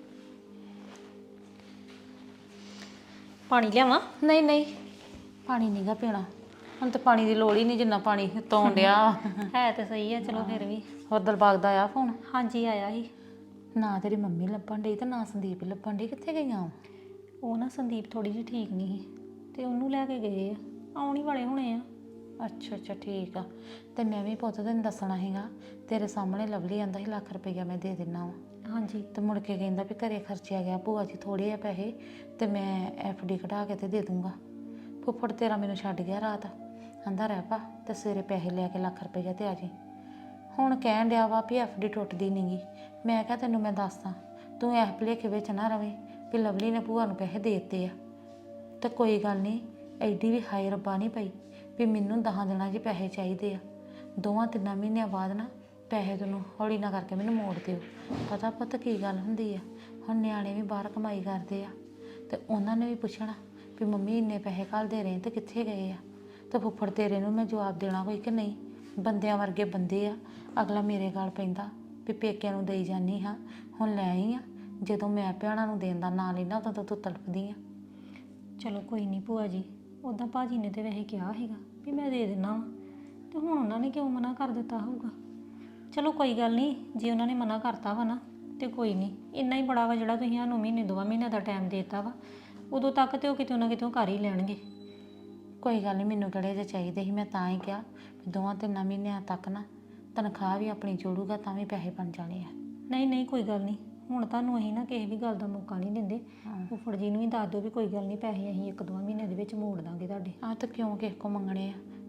ਪਾਣੀ ਲਿਆਵਾਂ? ਨਹੀਂ ਨਹੀਂ, ਪਾਣੀ ਨਹੀਂਗਾ ਪੀਣਾ ਹੁਣ, ਤੇ ਪਾਣੀ ਦੀ ਲੋੜ ਹੀ ਨਹੀਂ ਜਿੰਨਾ ਪਾਣੀ ਤੋਣ ਡਿਆ। ਹੈ ਤੇ ਸਹੀ ਆ, ਚਲੋ ਫਿਰ ਵੀ। ਹੋਰ ਦਿਲਬਾਗ ਦਾ ਆਇਆ ਫੋਨ? ਹਾਂਜੀ ਆਇਆ ਸੀ। ਨਾ ਤੇਰੀ ਮੰਮੀ ਲੱਭਣ ਡਈ ਤੇ ਨਾ ਸੰਦੀਪ ਲੱਭਣ ਡਈ, ਕਿੱਥੇ ਗਈਆਂ? ਉਹ ਨਾ ਸੰਦੀਪ ਥੋੜੀ ਜਿਹੀ ਠੀਕ ਨਹੀਂ ਸੀ ਤੇ ਉਹਨੂੰ ਲੈ ਕੇ ਗਏ ਆ, ਆਉਣ ਹੀ ਵਾਲੇ ਹੋਣੇ ਆ। ਅੱਛਾ ਅੱਛਾ ਠੀਕ ਆ। ਤੇ ਮੈਂ ਵੀ ਪੁੱਤ ਤੈਨੂੰ ਦੱਸਣਾ ਸੀਗਾ, ਤੇਰੇ ਸਾਹਮਣੇ ਲਵਲੀ ਆਂਦਾ ਸੀ ਲੱਖ ਰੁਪਈਆ ਮੈਂ ਦੇ ਦਿੰਨਾ ਵਾ। ਹਾਂਜੀ। ਤੇ ਮੁੜ ਕੇ ਕਹਿੰਦਾ ਵੀ ਘਰੇ ਖਰਚਿਆ ਗਿਆ ਭੂਆ ਜੀ ਥੋੜੇ ਆ ਪੈਸੇ, ਤੇ ਮੈਂ ਐਫ ਡੀ ਕਢਾ ਕੇ ਤੇ ਦੇ ਦੂੰਗਾ। ਫੁੱਫੜ ਤੇਰਾ ਮੈਨੂੰ ਛੱਡ ਗਿਆ ਰਾਤ, ਆਂਦਾ ਰਹਿ ਪਾ ਤੇ ਸਵੇਰੇ ਪੈਸੇ ਲੈ ਕੇ ਲੱਖ ਰੁਪਈਆ ਤੇ ਆ ਜੀ। ਹੁਣ ਕਹਿਣ ਡਿਆ ਵਾ ਵੀ ਐਫ ਡੀ ਟੁੱਟਦੀ ਨਹੀਂਗੀ। ਮੈਂ ਕਿਹਾ ਤੈਨੂੰ ਮੈਂ ਦੱਸਦਾ, ਤੂੰ ਇਸ ਭੁਲੇਖੇ ਵਿੱਚ ਨਾ ਰਵੇਂ ਵੀ ਲਵਲੀ ਨੇ ਭੂਆ ਨੂੰ ਪੈਸੇ ਦੇ ਦਿੱਤੇ ਆ। ਤੇ ਕੋਈ ਗੱਲ ਨਹੀਂ, ਐਡੀ ਵੀ ਹਾਈ ਰੱਬਾ ਨਹੀਂ ਪਈ ਵੀ ਮੈਨੂੰ ਦਸਾਂ ਦਿਨਾਂ 'ਚ ਪੈਸੇ ਚਾਹੀਦੇ ਆ। ਦੋਵਾਂ ਤਿੰਨਾਂ ਮਹੀਨਿਆਂ ਬਾਅਦ ਨਾ ਪੈਸੇ ਤੈਨੂੰ ਹੌਲੀ ਨਾ ਕਰਕੇ ਮੈਨੂੰ ਮੋੜ ਦਿਓ। ਪਤਾ ਪੁੱਤ ਕੀ ਗੱਲ ਹੁੰਦੀ ਆ, ਹੁਣ ਨਿਆਣੇ ਵੀ ਬਾਹਰ ਕਮਾਈ ਕਰਦੇ ਆ ਤੇ ਉਹਨਾਂ ਨੇ ਵੀ ਪੁੱਛਣਾ ਵੀ ਮੰਮੀ ਇੰਨੇ ਪੈਸੇ ਘੱਲਦੇ ਰਹੇ ਤੇ ਕਿੱਥੇ ਗਏ ਆ। ਤੇ ਫੁੱਫੜ ਤੇਰੇ ਨੂੰ ਮੈਂ ਜਵਾਬ ਦੇਣਾ ਕੋਈ ਕਿ ਨਹੀਂ। ਬੰਦਿਆਂ ਵਰਗੇ ਬੰਦੇ ਆ, ਅਗਲਾ ਮੇਰੇ ਗਲ ਪੈਂਦਾ ਵੀ ਪੇਕਿਆਂ ਨੂੰ ਦੇਈ ਜਾਨੀ ਹਾਂ, ਹੁਣ ਲੈ ਆਈ ਆ। ਜਦੋਂ ਮੈਂ ਭੈਣਾਂ ਨੂੰ ਦੇਣ ਦਾ ਨਾਂ ਲੈਣਾ ਉਦੋਂ ਤਾਂ ਤੂੰ ਤੜਫਦੀ ਆ। ਚਲੋ ਕੋਈ ਨਹੀਂ ਭੂਆ ਜੀ, ਉੱਦਾਂ ਭਾਜੀ ਨੇ ਤੇ ਵੈਸੇ ਕਿਹਾ ਸੀਗਾ ਵੀ ਮੈਂ ਦੇ ਦਿੰਦਾ ਵਾ, ਤੇ ਹੁਣ ਉਹਨਾਂ ਨੇ ਕਿਉਂ ਮਨਾ ਕਰ ਦਿੱਤਾ ਹੋਊਗਾ। ਚਲੋ ਕੋਈ ਗੱਲ ਨਹੀਂ, ਜੇ ਉਹਨਾਂ ਨੇ ਮਨਾ ਕਰਤਾ ਵਾ ਨਾ ਤੇ ਕੋਈ ਨਹੀਂ, ਇੰਨਾ ਹੀ ਬੜਾ ਵਾ ਜਿਹੜਾ ਤੁਸੀਂ ਸਾਨੂੰ ਮਹੀਨੇ ਦੋਵਾਂ ਮਹੀਨਿਆਂ ਦਾ ਟਾਈਮ ਦੇ ਦਿੱਤਾ ਵਾ। ਉਦੋਂ ਤੱਕ ਤੇ ਉਹ ਕਿਤੇ ਨਾ ਕਿਤੇ ਕਰ ਹੀ ਲੈਣਗੇ। ਕੋਈ ਗੱਲ ਨਹੀਂ, ਮੈਨੂੰ ਕਿਹੜੇ ਜਿਹੇ ਚਾਹੀਦੇ ਸੀ, ਮੈਂ ਤਾਂ ਹੀ ਕਿਹਾ ਵੀ ਦੋਵਾਂ ਤਿੰਨਾਂ ਮਹੀਨਿਆਂ ਤੱਕ ਨਾ ਤਨਖਾਹ ਵੀ ਆਪਣੀ ਜੋੜੂਗਾ ਤਾਂ ਵੀ ਪੈਸੇ ਬਣ ਜਾਣੇ ਆ। ਨਹੀਂ ਨਹੀਂ ਕੋਈ ਗੱਲ ਨਹੀਂ, ਹੁਣ ਤੁਹਾਨੂੰ ਅਸੀਂ ਨਾ ਕਿਸੇ ਵੀ ਗੱਲ ਦਾ ਮੌਕਾ ਨਹੀਂ ਦਿੰਦੇ। ਫੁੱਫੜ ਜੀ ਨੂੰ ਵੀ ਦੱਸ ਦਿਓ ਵੀ ਕੋਈ ਗੱਲ ਨਹੀਂ, ਪੈਸੇ ਅਸੀਂ ਇੱਕ ਦੋ ਮਹੀਨੇ ਦੇ ਵਿੱਚ ਮੋੜ ਦਾਂਗੇ ਤੁਹਾਡੇ। ਆਹ ਤਾਂ ਕਿਉਂ ਕਿਸੇ ਕੋ ਮੰਗਣੇ ਆ,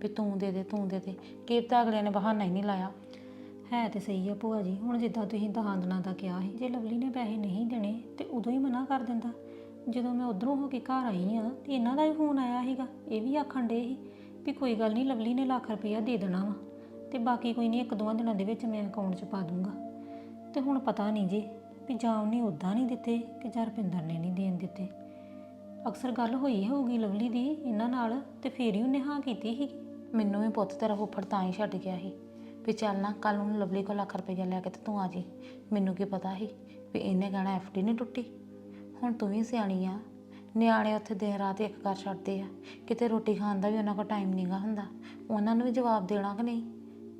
ਵੀ ਤੂੰ ਦੇ ਦੇ ਤੂੰ ਦੇ ਦੇ, ਕੀ ਪਤਾ ਅਗਲਿਆਂ ਨੇ ਬਹਾਨਾ ਹੀ ਨਹੀਂ ਲਾਇਆ। ਹੈ ਤੇ ਸਹੀ ਆ ਭੂਆ ਜੀ, ਹੁਣ ਜਿੱਦਾਂ ਤੁਸੀਂ ਦਹਾਂ ਦਿਨਾਂ ਦਾ ਕਿਹਾ ਸੀ, ਜੇ ਲਵਲੀ ਨੇ ਪੈਸੇ ਨਹੀਂ ਦੇਣੇ ਤੇ ਉਦੋਂ ਹੀ ਮਨਾ ਕਰ ਦਿੰਦਾ। ਜਦੋਂ ਮੈਂ ਉਧਰੋਂ ਹੋ ਕੇ ਘਰ ਆਈ ਆ ਤੇ ਇਹਨਾਂ ਦਾ ਵੀ ਫੋਨ ਆਇਆ ਸੀਗਾ, ਇਹ ਵੀ ਆਖਣ ਡੇ ਸੀ ਵੀ ਕੋਈ ਗੱਲ ਨਹੀਂ, ਲਵਲੀ ਨੇ ਲੱਖ ਰੁਪਈਆ ਦੇ ਦੇਣਾ ਵਾ ਤੇ ਬਾਕੀ ਕੋਈ ਨਹੀਂ, ਇੱਕ ਦੋਵਾਂ ਦਿਨਾਂ ਦੇ ਵਿੱਚ ਮੈਂ ਅਕਾਊਂਟ 'ਚ ਪਾ ਦੂੰਗਾ। ਤੇ ਹੁਣ ਪਤਾ ਨਹੀਂ ਜੀ ਵੀ ਜਾਂ ਉਹਨੇ ਉੱਦਾਂ ਨਹੀਂ ਦਿੱਤੇ ਕਿ ਜਾਂ ਰੁਪਿੰਦਰ ਨੇ ਨਹੀਂ ਦੇਣ ਦਿੱਤੇ। ਅਕਸਰ ਗੱਲ ਹੋਈ ਹੋਊਗੀ ਲਵਲੀ ਦੀ ਇਹਨਾਂ ਨਾਲ ਤੇ ਫੇਰ ਹੀ ਉਹਨੇ ਹਾਂ ਕੀਤੀ ਸੀ। ਮੈਨੂੰ ਵੀ ਪੁੱਤ ਤੇਰਾ ਫੁੱਫੜ ਤਾਂ ਹੀ ਛੱਡ ਗਿਆ ਸੀ ਵੀ ਚੱਲ ਨਾ ਕੱਲ ਨੂੰ ਲਵਲੀ ਕੋਲ ਲੱਖ ਰੁਪਈਆ ਲੈ ਕੇ ਤੇ ਤੂੰ ਆ ਜੀ। ਮੈਨੂੰ ਕੀ ਪਤਾ ਸੀ ਵੀ ਇਹਨੇ ਕਹਿਣਾ ਐਫ ਡੀ ਨਹੀਂ ਟੁੱਟੀ। ਹੁਣ ਤੂੰ ਵੀ ਸਿਆਣੀ ਆ, ਨਿਆਣੇ ਉੱਥੇ ਦਿਨ ਰਾਤ ਇੱਕ ਕਰ ਛੱਡਦੇ ਆ, ਕਿਤੇ ਰੋਟੀ ਖਾਣ ਦਾ ਵੀ ਉਹਨਾਂ ਕੋਲ ਟਾਈਮ ਨਹੀਂਗਾ ਹੁੰਦਾ। ਉਹਨਾਂ ਨੂੰ ਵੀ ਜਵਾਬ ਦੇਣਾ ਕਿ ਨਹੀਂ?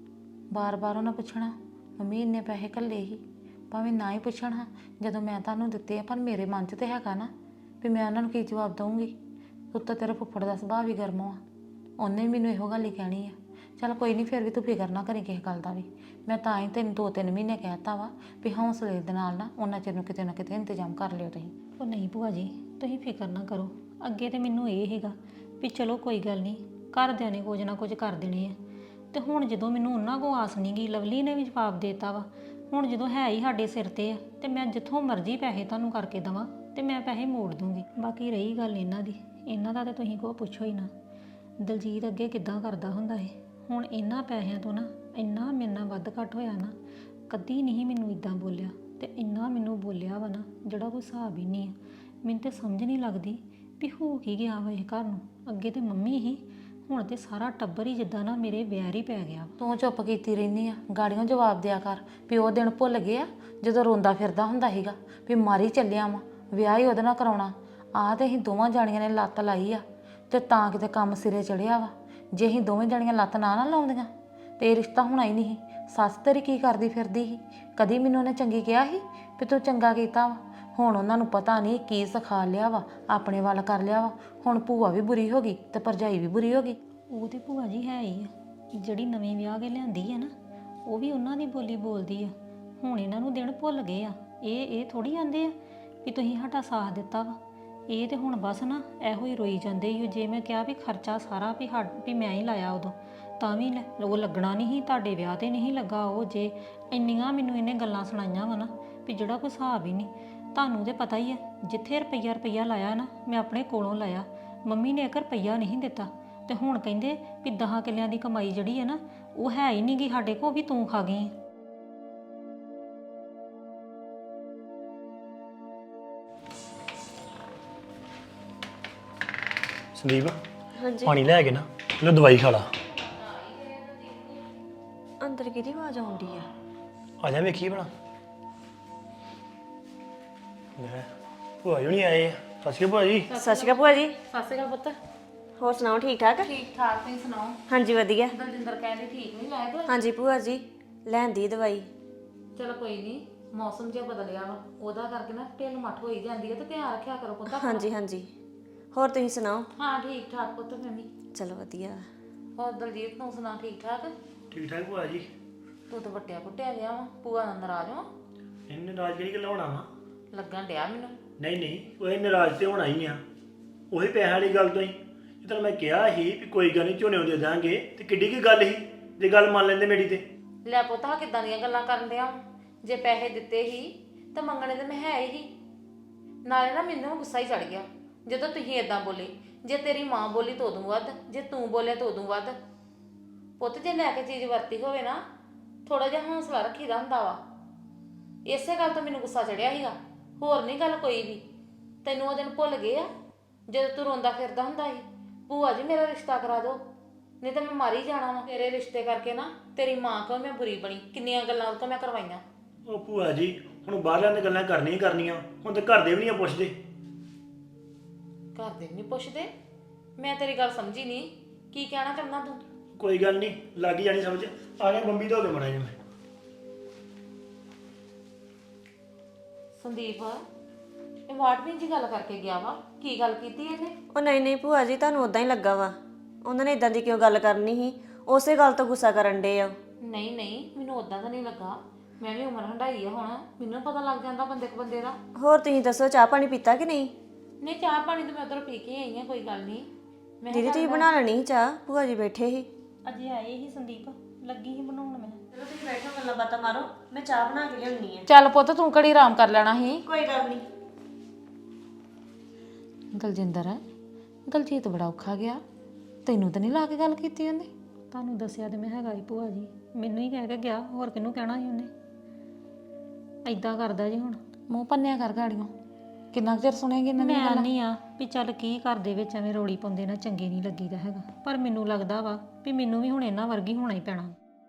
ਬਾਰ-ਬਾਰ ਉਹਨਾਂ ਪੁੱਛਣਾ ਮੰਮੀ ਇੰਨੇ ਪੈਸੇ ਘੱਲੇ ਸੀ, ਭਾਵੇਂ ਨਾ ਹੀ ਪੁੱਛਣਾ ਜਦੋਂ ਮੈਂ ਤੁਹਾਨੂੰ ਦਿੱਤੇ ਆ, ਪਰ ਮੇਰੇ ਮਨ 'ਚ ਤੇ ਹੈਗਾ ਨਾ ਵੀ ਮੈਂ ਉਹਨਾਂ ਨੂੰ ਕੀ ਜਵਾਬ ਦਊਂਗੀ। ਉੱਤੋਂ ਤੇਰੇ ਫੁੱਫੜ ਦਾ ਸੁਭਾਅ ਵੀ ਗਰਮ ਆ, ਉਹਨੇ ਵੀ ਮੈਨੂੰ ਇਹੋ ਗੱਲ ਹੀ ਕਹਿਣੀ ਆ। ਚੱਲ ਕੋਈ ਨਹੀਂ, ਫਿਰ ਵੀ ਤੂੰ ਫਿਕਰ ਨਾ ਕਰੀ ਕਿਸੇ ਗੱਲ ਦਾ ਵੀ। ਮੈਂ ਤਾਂ ਹੀ ਤੈਨੂੰ ਦੋ ਤਿੰਨ ਮਹੀਨੇ ਕਹਿਤਾ ਵਾ ਵੀ ਹੌਸਲੇ ਦੇ ਨਾਲ ਨਾ ਉਹਨਾਂ ਚਿਰ ਨੂੰ ਕਿਤੇ ਨਾ ਕਿਤੇ ਇੰਤਜ਼ਾਮ ਕਰ ਲਿਓ ਤੁਸੀਂ। ਉਹ ਨਹੀਂ ਭੂਆ ਜੀ, ਤੁਸੀਂ ਫਿਕਰ ਨਾ ਕਰੋ। ਅੱਗੇ ਤੇ ਮੈਨੂੰ ਇਹ ਹੈਗਾ ਵੀ ਚਲੋ ਕੋਈ ਗੱਲ ਨਹੀਂ, ਘਰਦਿਆਂ ਨੇ ਕੁਝ ਨਾ ਕੁਝ ਕਰ ਦੇਣੇ ਆ। ਤੇ ਹੁਣ ਜਦੋਂ ਮੈਨੂੰ ਉਹਨਾਂ ਕੋਲ ਆਸ ਨਹੀਂ ਗਈ, ਲਵਲੀ ਨੇ ਵੀ ਜਵਾਬ ਦੇਤਾ ਵਾ, ਹੁਣ ਜਦੋਂ ਹੈ ਹੀ ਸਾਡੇ ਸਿਰ ਤੇ ਆ ਤੇ ਮੈਂ ਜਿੱਥੋਂ ਮਰਜ਼ੀ ਪੈਸੇ ਤੁਹਾਨੂੰ ਕਰਕੇ ਦੇਵਾਂ ਤੇ ਮੈਂ ਪੈਸੇ ਮੋੜ ਦੂੰਗੀ। ਬਾਕੀ ਰਹੀ ਗੱਲ ਇਹਨਾਂ ਦੀ, ਇਹਨਾਂ ਦਾ ਤਾਂ ਤੁਸੀਂ ਕੋ ਪੁੱਛੋ ਹੀ ਨਾ। ਦਲਜੀਤ ਅੱਗੇ ਕਿੱਦਾਂ ਕਰਦਾ ਹੁੰਦਾ ਏ, ਹੁਣ ਇਹਨਾਂ ਪੈਸਿਆਂ ਤੋਂ ਨਾ ਇੰਨਾ ਮੇਰੇ ਨਾਲ ਵੱਧ ਘੱਟ ਹੋਇਆ ਨਾ, ਕਦੀ ਨਹੀਂ ਮੈਨੂੰ ਇਦਾਂ ਬੋਲਿਆ ਤੇ ਇੰਨਾ ਮੈਨੂੰ ਬੋਲਿਆ ਵਾ ਨਾ ਜਿਹੜਾ ਕੋਈ ਹਿਸਾਬ ਹੀ ਨਹੀਂ ਆ। ਮੈਨੂੰ ਤੇ ਸਮਝ ਨਹੀਂ ਲੱਗਦੀ ਵੀ ਹੋ ਕੀ ਗਿਆ ਵਾ ਇਹ ਘਰ ਨੂੰ। ਅੱਗੇ ਤੇ ਮੰਮੀ ਹੀ, ਹੁਣ ਤੇ ਸਾਰਾ ਟੱਬਰ ਹੀ ਜਿੱਦਾਂ ਨਾ ਮੇਰੇ ਵੈਰ ਹੀ ਪੈ ਗਿਆ। ਤੂੰ ਚੁੱਪ ਕੀਤੀ ਰਹਿੰਦੀ ਆ, ਗਾੜੀਆਂ ਜਵਾਬ ਦਿਆ ਕਰ ਵੀ ਉਹ ਦਿਨ ਭੁੱਲ ਗਏ ਆ ਜਦੋਂ ਰੋਂਦਾ ਫਿਰਦਾ ਹੁੰਦਾ ਸੀਗਾ ਵੀ ਮਾਰੀ ਚੱਲਿਆ ਵਾ, ਵਿਆਹ ਹੀ ਉਹਦੇ ਨਾਲ ਕਰਾਉਣਾ। ਆਹ ਤੇ ਅਸੀਂ ਦੋਵਾਂ ਜਾਣੀਆਂ ਨੇ ਲੱਤ ਲਾਈ ਆ ਤੇ ਤਾਂ ਕਿਤੇ ਕੰਮ ਸਿਰੇ ਚੜਿਆ ਵਾ। ਜੇ ਅਸੀਂ ਦੋਵੇਂ ਜਾਣੀਆਂ ਲੱਤ ਨਾ ਨਾ ਲਾਉਂਦੀਆਂ ਤੇ ਇਹ ਰਿਸ਼ਤਾ ਹੋਣਾ ਹੀ ਨਹੀਂ। ਸੱਸ ਤੇਰੀ ਕੀ ਕਰਦੀ ਫਿਰਦੀ ਸੀ? ਕਦੀ ਮੈਨੂੰ ਉਹਨੇ ਚੰਗੀ ਕਿਹਾ ਸੀ ਵੀ ਤੂੰ ਚੰਗਾ ਕੀਤਾ ਵਾ? ਹੁਣ ਉਹਨਾਂ ਨੂੰ ਪਤਾ ਨਹੀਂ ਕੀ ਸਿਖਾ ਲਿਆ ਵਾ, ਆਪਣੇ ਵੱਲ ਕਰ ਲਿਆ ਵਾ। ਹੁਣ ਭੂਆ ਵੀ ਬੁਰੀ ਹੋ ਗਈ ਤੇ ਭਰਜਾਈ ਵੀ ਬੁਰੀ ਹੋ ਗਈ। ਉਹ ਤੇ ਭੂਆ ਜੀ ਹੈ ਹੀ ਆ, ਜਿਹੜੀ ਨਵੀਂ ਵਿਆਹ ਕੇ ਲਿਆਂਦੀ ਆ ਨਾ, ਉਹ ਵੀ ਉਹਨਾਂ ਦੀ ਬੋਲੀ ਬੋਲਦੀ ਆ। ਹੁਣ ਇਹਨਾਂ ਨੂੰ ਦਿਨ ਭੁੱਲ ਗਏ ਆ। ਇਹ ਇਹ ਥੋੜੀ ਆਂਦੇ ਆ ਵੀ ਤੁਸੀਂ ਸਾਡਾ ਸਾਥ ਦਿੱਤਾ ਵਾ। ਇਹ ਤੇ ਹੁਣ ਬਸ ਨਾ ਇਹੋ ਹੀ ਰੋਈ ਜਾਂਦੇ ਹੀ। ਜੇ ਮੈਂ ਕਿਹਾ ਵੀ ਖਰਚਾ ਸਾਰਾ ਵੀ ਹੱਡ ਵੀ ਮੈਂ ਹੀ ਲਾਇਆ ਉਦੋਂ, ਤਾਂ ਵੀ ਉਹ ਲੱਗਣਾ ਨਹੀਂ ਸੀ, ਤੁਹਾਡੇ ਵਿਆਹ ਤੇ ਨਹੀਂ ਲੱਗਾ। ਉਹ ਜੇ ਇੰਨੀਆਂ ਮੈਨੂੰ ਇਹਨੇ ਗੱਲਾਂ ਸੁਣਾਈਆਂ ਵਾ ਨਾ ਵੀ ਜਿਹੜਾ ਕੋਈ ਹਿਸਾਬ ਹੀ ਨਹੀਂ। ਤੁਹਾਨੂੰ ਤੇ ਪਤਾ ਹੀ ਆ, ਜਿੱਥੇ ਰੁਪਈਆ ਰੁਪਈਆ ਲਾਇਆ ਨਾ ਮੈਂ ਆਪਣੇ ਕੋਲੋਂ ਲਾਇਆ। ਮੰਮੀ ਨੇ ਇੱਕ ਰੁਪਈਆ ਨਹੀਂ ਦਿੱਤਾ ਤੇ ਹੁਣ ਕਹਿੰਦੇ ਵੀ ਦਹਾਂ ਕਿੱਲਿਆਂ ਦੀ ਕਮਾਈ ਜਿਹੜੀ ਹੈ ਨਾ ਉਹ ਹੈ ਹੀ ਨਹੀਂ ਗੀ ਸਾਡੇ ਕੋਲ, ਵੀ ਤੂੰ ਖਾ ਗਈ। ਸੰਦੀਪ ਹਾਂਜੀ ਪਾਣੀ ਲੈ ਕੇ ਨਾ ਲੋ ਦਵਾਈ ਖਾ ਲਾ। ਅੰਦਰ ਕਿਹਦੀ ਆਵਾਜ਼ ਆਉਂਦੀ ਆ? ਆ ਜਾ ਵੇਖੀ ਬਣਾ। ਲੈ ਭੂਆ ਜੀ ਨਹੀਂ ਆਏ। ਸਤਿ ਸ਼੍ਰੀ ਅਕਾਲ ਭੂਆ ਜੀ। ਸਤਿ ਸ਼੍ਰੀ ਅਕਾਲ ਭੂਆ ਜੀ। ਸਤਿ ਸ਼੍ਰੀ ਅਕਾਲ ਪੁੱਤ। ਹੋਰ ਸੁਣਾਓ, ਠੀਕ ਠਾਕ? ਠੀਕ ਠਾਕ, ਤੁਸੀਂ ਸੁਣਾਓ? ਹਾਂਜੀ ਵਧੀਆ। ਦਲਜਿੰਦਰ ਕਹਿੰਦੀ ਠੀਕ ਨਹੀਂ ਲੱਗਦਾ। ਹਾਂਜੀ ਭੂਆ ਜੀ, ਲੈਂਦੀ ਦਵਾਈ। ਚਲੋ ਕੋਈ ਨਹੀਂ, ਮੌਸਮ ਜਿਹਾ ਬਦਲਿਆ ਵਾ, ਉਹਦਾ ਕਰਕੇ ਨਾ ਢਿੱਲ ਮੱਠ ਹੋਈ ਜਾਂਦੀ ਹੈ ਤੇ ਧਿਆਨ ਰੱਖਿਆ ਕਰੋ ਪੁੱਤ। ਹਾਂਜੀ ਹਾਂਜੀ। ਹੋਰ ਤੁਸੀਂ ਸੁਣਾਓ? ਹਾਂ ਠੀਕ ਠਾਕ ਪੁੱਤ, ਮੈਂ ਵੀ। ਚਲੋ ਵਧੀਆ। ਹੋਰ ਦਲਜੀਤ ਨੂੰ ਸੁਣਾ, ਠੀਕ ਠਾਕ? ਠੀਕ ਠਾਕ ਭੂਆ ਜੀ। ਤੂੰ ਤਾਂ ਵੱਟਿਆ ਕੁੱਟਿਆ ਗਿਆ ਵਾ, ਭੂਆ ਨਾਲ ਨਾਰਾਜ਼ ਵਾ? ਇਹਨੇ ਨਾਰਾਜ਼ ਕਿਹੜੀ ਗੱਲ ਹੋਣਾ ਵਾ? ਲੱਗਣ ਡਿਆ ਮੈਨੂੰ। ਨਹੀਂ ਨਹੀਂ, ਉਹ ਇਹ ਨਾਰਾਜ਼ ਤੇ ਹੋਣਾ ਹੀ ਆ। ਉਹੀ ਪੈਸਿਆਂ ਵਾਲੀ ਗੱਲ ਤੋਂ ਹੀ। ਜਦੋਂ ਮੈਂ ਕਿਹਾ ਸੀ ਵੀ ਕੋਈ ਗੱਲ ਨਹੀਂ ਝੋਨੇ ਦੇ ਦਾਂਗੇ ਤੇ ਕਿੱਡੀ ਕੀ ਗੱਲ ਸੀ ਜੇ ਗੱਲ ਮੰਨ ਲੈਂਦੇ ਮੇਰੀ ਤੇ। ਲੈ ਪੁੱਤ, ਆਹ ਕਿੱਦਾਂ ਦੀਆਂ ਗੱਲਾਂ ਕਰਨ ਡਿਆ ਵਾਂ? ਜੇ ਪੈਸੇ ਦਿੱਤੇ ਹੀ ਤਾਂ ਮੰਗਣੇ ਤੇ ਮੈਂ ਹੈ ਹੀ। ਨਾਲੇ ਨਾ ਮੈਨੂੰ ਗੁੱਸਾ ਹੀ ਚੜ ਗਿਆ ਜਦੋਂ ਤੁਸੀਂ ਇਦਾਂ ਬੋਲੇ। ਜੇ ਤੇਰੀ ਮਾਂ ਬੋਲੀ ਤਾਂ ਉਦੋਂ ਵੱਧ, ਜੇ ਤੂੰ ਬੋਲੇ ਤਾਂ ਉਦੋਂ ਵੱਧ। ਪੁੱਤ ਜੇ ਲੈ ਕੇ ਚੀਜ਼ ਵਰਤੀ ਹੋਵੇ ਨਾ, ਥੋੜਾ ਜਿਹਾ ਹੌਸਲਾ ਰੱਖੀਦਾ ਹੁੰਦਾ ਵਾ। ਇਸੇ ਗੱਲ ਤੋਂ ਮੈਨੂੰ ਗੁੱਸਾ ਚੜਿਆ ਸੀਗਾ, ਹੋਰ ਨਹੀਂ ਗੱਲ ਕੋਈ ਵੀ। ਤੈਨੂੰ ਉਹ ਦਿਨ ਭੁੱਲ ਗਏ ਆ ਜਦੋਂ ਤੂੰ ਰੋਂਦਾ ਫਿਰਦਾ ਹੁੰਦਾ ਸੀ, ਭੂਆ ਜੀ ਮੇਰਾ ਰਿਸ਼ਤਾ ਕਰਾ ਦਿਓ ਨਹੀਂ ਤਾਂ ਮੈਂ ਮਾਰੀ ਜਾਣਾ ਵਾ। ਤੇਰੇ ਰਿਸ਼ਤੇ ਕਰਕੇ ਨਾ ਤੇਰੀ ਮਾਂ ਕੋਲ ਮੈਂ ਬੁਰੀ ਬਣੀ, ਕਿੰਨੀਆਂ ਗੱਲਾਂ ਉਹ ਤੋਂ ਮੈਂ ਕਰਵਾਈਆਂ। ਉਹ ਭੂਆ ਜੀ ਹੁਣ ਬਾਹਰਲਿਆਂ ਦੀਆਂ ਗੱਲਾਂ ਕਰਨੀਆਂ ਹੀ ਕਰਨੀਆਂ, ਹੁਣ ਤੇ ਘਰ ਦੇ ਵੀ ਨਹੀਂ ਪੁੱਛਦੇ। ਘਰ ਦੇ ਵੀ ਨਹੀਂ ਪੁੱਛਦੇ? ਮੈਂ ਤੇਰੀ ਗੱਲ ਸਮਝੀ ਨਹੀਂ, ਕੀ ਕਹਿਣਾ ਚਾਹੁੰਦਾ ਤੂੰ? ਕੋਈ ਗੱਲ ਨਹੀਂ, ਲੱਗ ਹੀ ਜਾਣੀ ਸਮਝ। ਆ ਗਿਆ ਬੰਬੀ ਧੋ ਕੇ ਮੜਾ ਜੀ ਮੈਂ। ਸੰਦੀਪ, ਇਹ ਵਾਟਵੀਂ ਜੀ ਗੱਲ ਕਰਕੇ ਗਿਆ ਵਾ, ਕੀ ਗੱਲ ਕੀਤੀ ਇਹਨੇ? ਉਹ ਨਹੀਂ ਨਹੀਂ ਭੂਆ ਜੀ, ਤੁਹਾਨੂੰ ਉਦਾਂ ਹੀ ਲੱਗਾ ਵਾ। ਉਹਨਾਂ ਨੇ ਇਦਾਂ ਦੀ ਕਿਉਂ ਗੱਲ ਕਰਨੀ ਸੀ? ਉਸੇ ਗੱਲ ਤੋਂ ਗੁੱਸਾ ਕਰਨ ਡੇ ਆ। ਨਹੀਂ ਨਹੀਂ, ਮੈਨੂੰ ਉਦਾਂ ਤਾਂ ਨਹੀਂ ਲੱਗਾ। ਮੈਂ ਵੀ ਉਮਰ ਹੰਢਾਈ ਆ ਹੁਣ, ਮੈਨੂੰ ਪਤਾ ਲੱਗ ਜਾਂਦਾ ਬੰਦੇ ਕੋ ਬੰਦੇ ਦਾ। ਹੋਰ ਤੁਸੀਂ ਦੱਸੋ, ਚਾਹ ਪਾਣੀ ਪੀਤਾ ਕਿ ਨਹੀਂ? ਨਹੀਂ, ਚਾਹ ਪਾਣੀ ਤਾਂ ਮੈਂ ਉਧਰ ਪੀ ਕੇ ਆਈ ਆ, ਕੋਈ ਗੱਲ ਨਹੀਂ। ਦੀਦੀ ਤੁਸੀਂ ਬਣਾ ਲੈਣੀ ਸੀ ਚਾਹ, ਭੂਆ ਜੀ ਬੈਠੇ ਸੀ। ਅਜੇ ਆਏ ਹੀ ਸੰਦੀਪ, ਲੱਗੀ ਹੀ ਬਣਾਉਣ ਮੈਂ। ਚਲੋ ਤੁਸੀਂ ਬੈਠੋ, ਗੱਲਾਂ ਬਾਤਾਂ ਮਾਰੋ, ਮੈਂ ਚਾਹ ਬਣਾ ਕੇ ਲਿਆਉਣੀ ਆ। ਚੱਲ ਪੁੱਤ ਤੂੰ ਕਿਹੜੀ ਆਰਾਮ ਕਰ ਲੈਣਾ ਸੀ। ਕੋਈ ਗੱਲ ਨਹੀਂ। ਦਲਜਿੰਦਰ ਦਲਜੀਤ ਬੜਾ ਔਖਾ ਗਿਆ, ਤੈਨੂੰ ਤਾਂ ਨਹੀਂ ਲਾ ਕੇ ਗੱਲ ਕੀਤੀ ਉਹਨੇ? ਤੁਹਾਨੂੰ ਦੱਸਿਆ ਤੇ ਮੈਂ ਹੈਗਾ ਹੀ ਭੂਆ ਜੀ, ਮੈਨੂੰ ਹੀ ਕਹਿ ਕੇ ਗਿਆ, ਹੋਰ ਕਿਹਨੂੰ ਕਹਿਣਾ ਸੀ ਉਹਨੇ। ਐਦਾਂ ਕਰਦਾ ਜੀ ਹੁਣ। ਮੂੰਹ ਪੰਨਿਆ ਕਰ ਗਾੜੀਆਂ, ਕਿੰਨਾ ਕੁ ਚਿਰ ਸੁਣੇਗੀ ਇਹਨਾਂ ਦੀ ਮੈਂ ਗੱਲ? ਨਹੀਂ ਆ ਵੀ ਚੱਲ ਕੀ ਘਰ ਦੇ ਵਿੱਚ ਐਵੇਂ ਰੋਲੀ ਪਾਉਂਦੇ ਨਾ, ਚੰਗੇ ਨਹੀਂ ਲੱਗੀਦਾ ਹੈਗਾ, ਪਰ ਮੈਨੂੰ ਲੱਗਦਾ ਵਾ ਵੀ ਮੈਨੂੰ ਵੀ ਹੁਣ ਇਹਨਾਂ ਵਰਗੀ ਹੋਣਾ ਹੀ ਪੈਣਾ।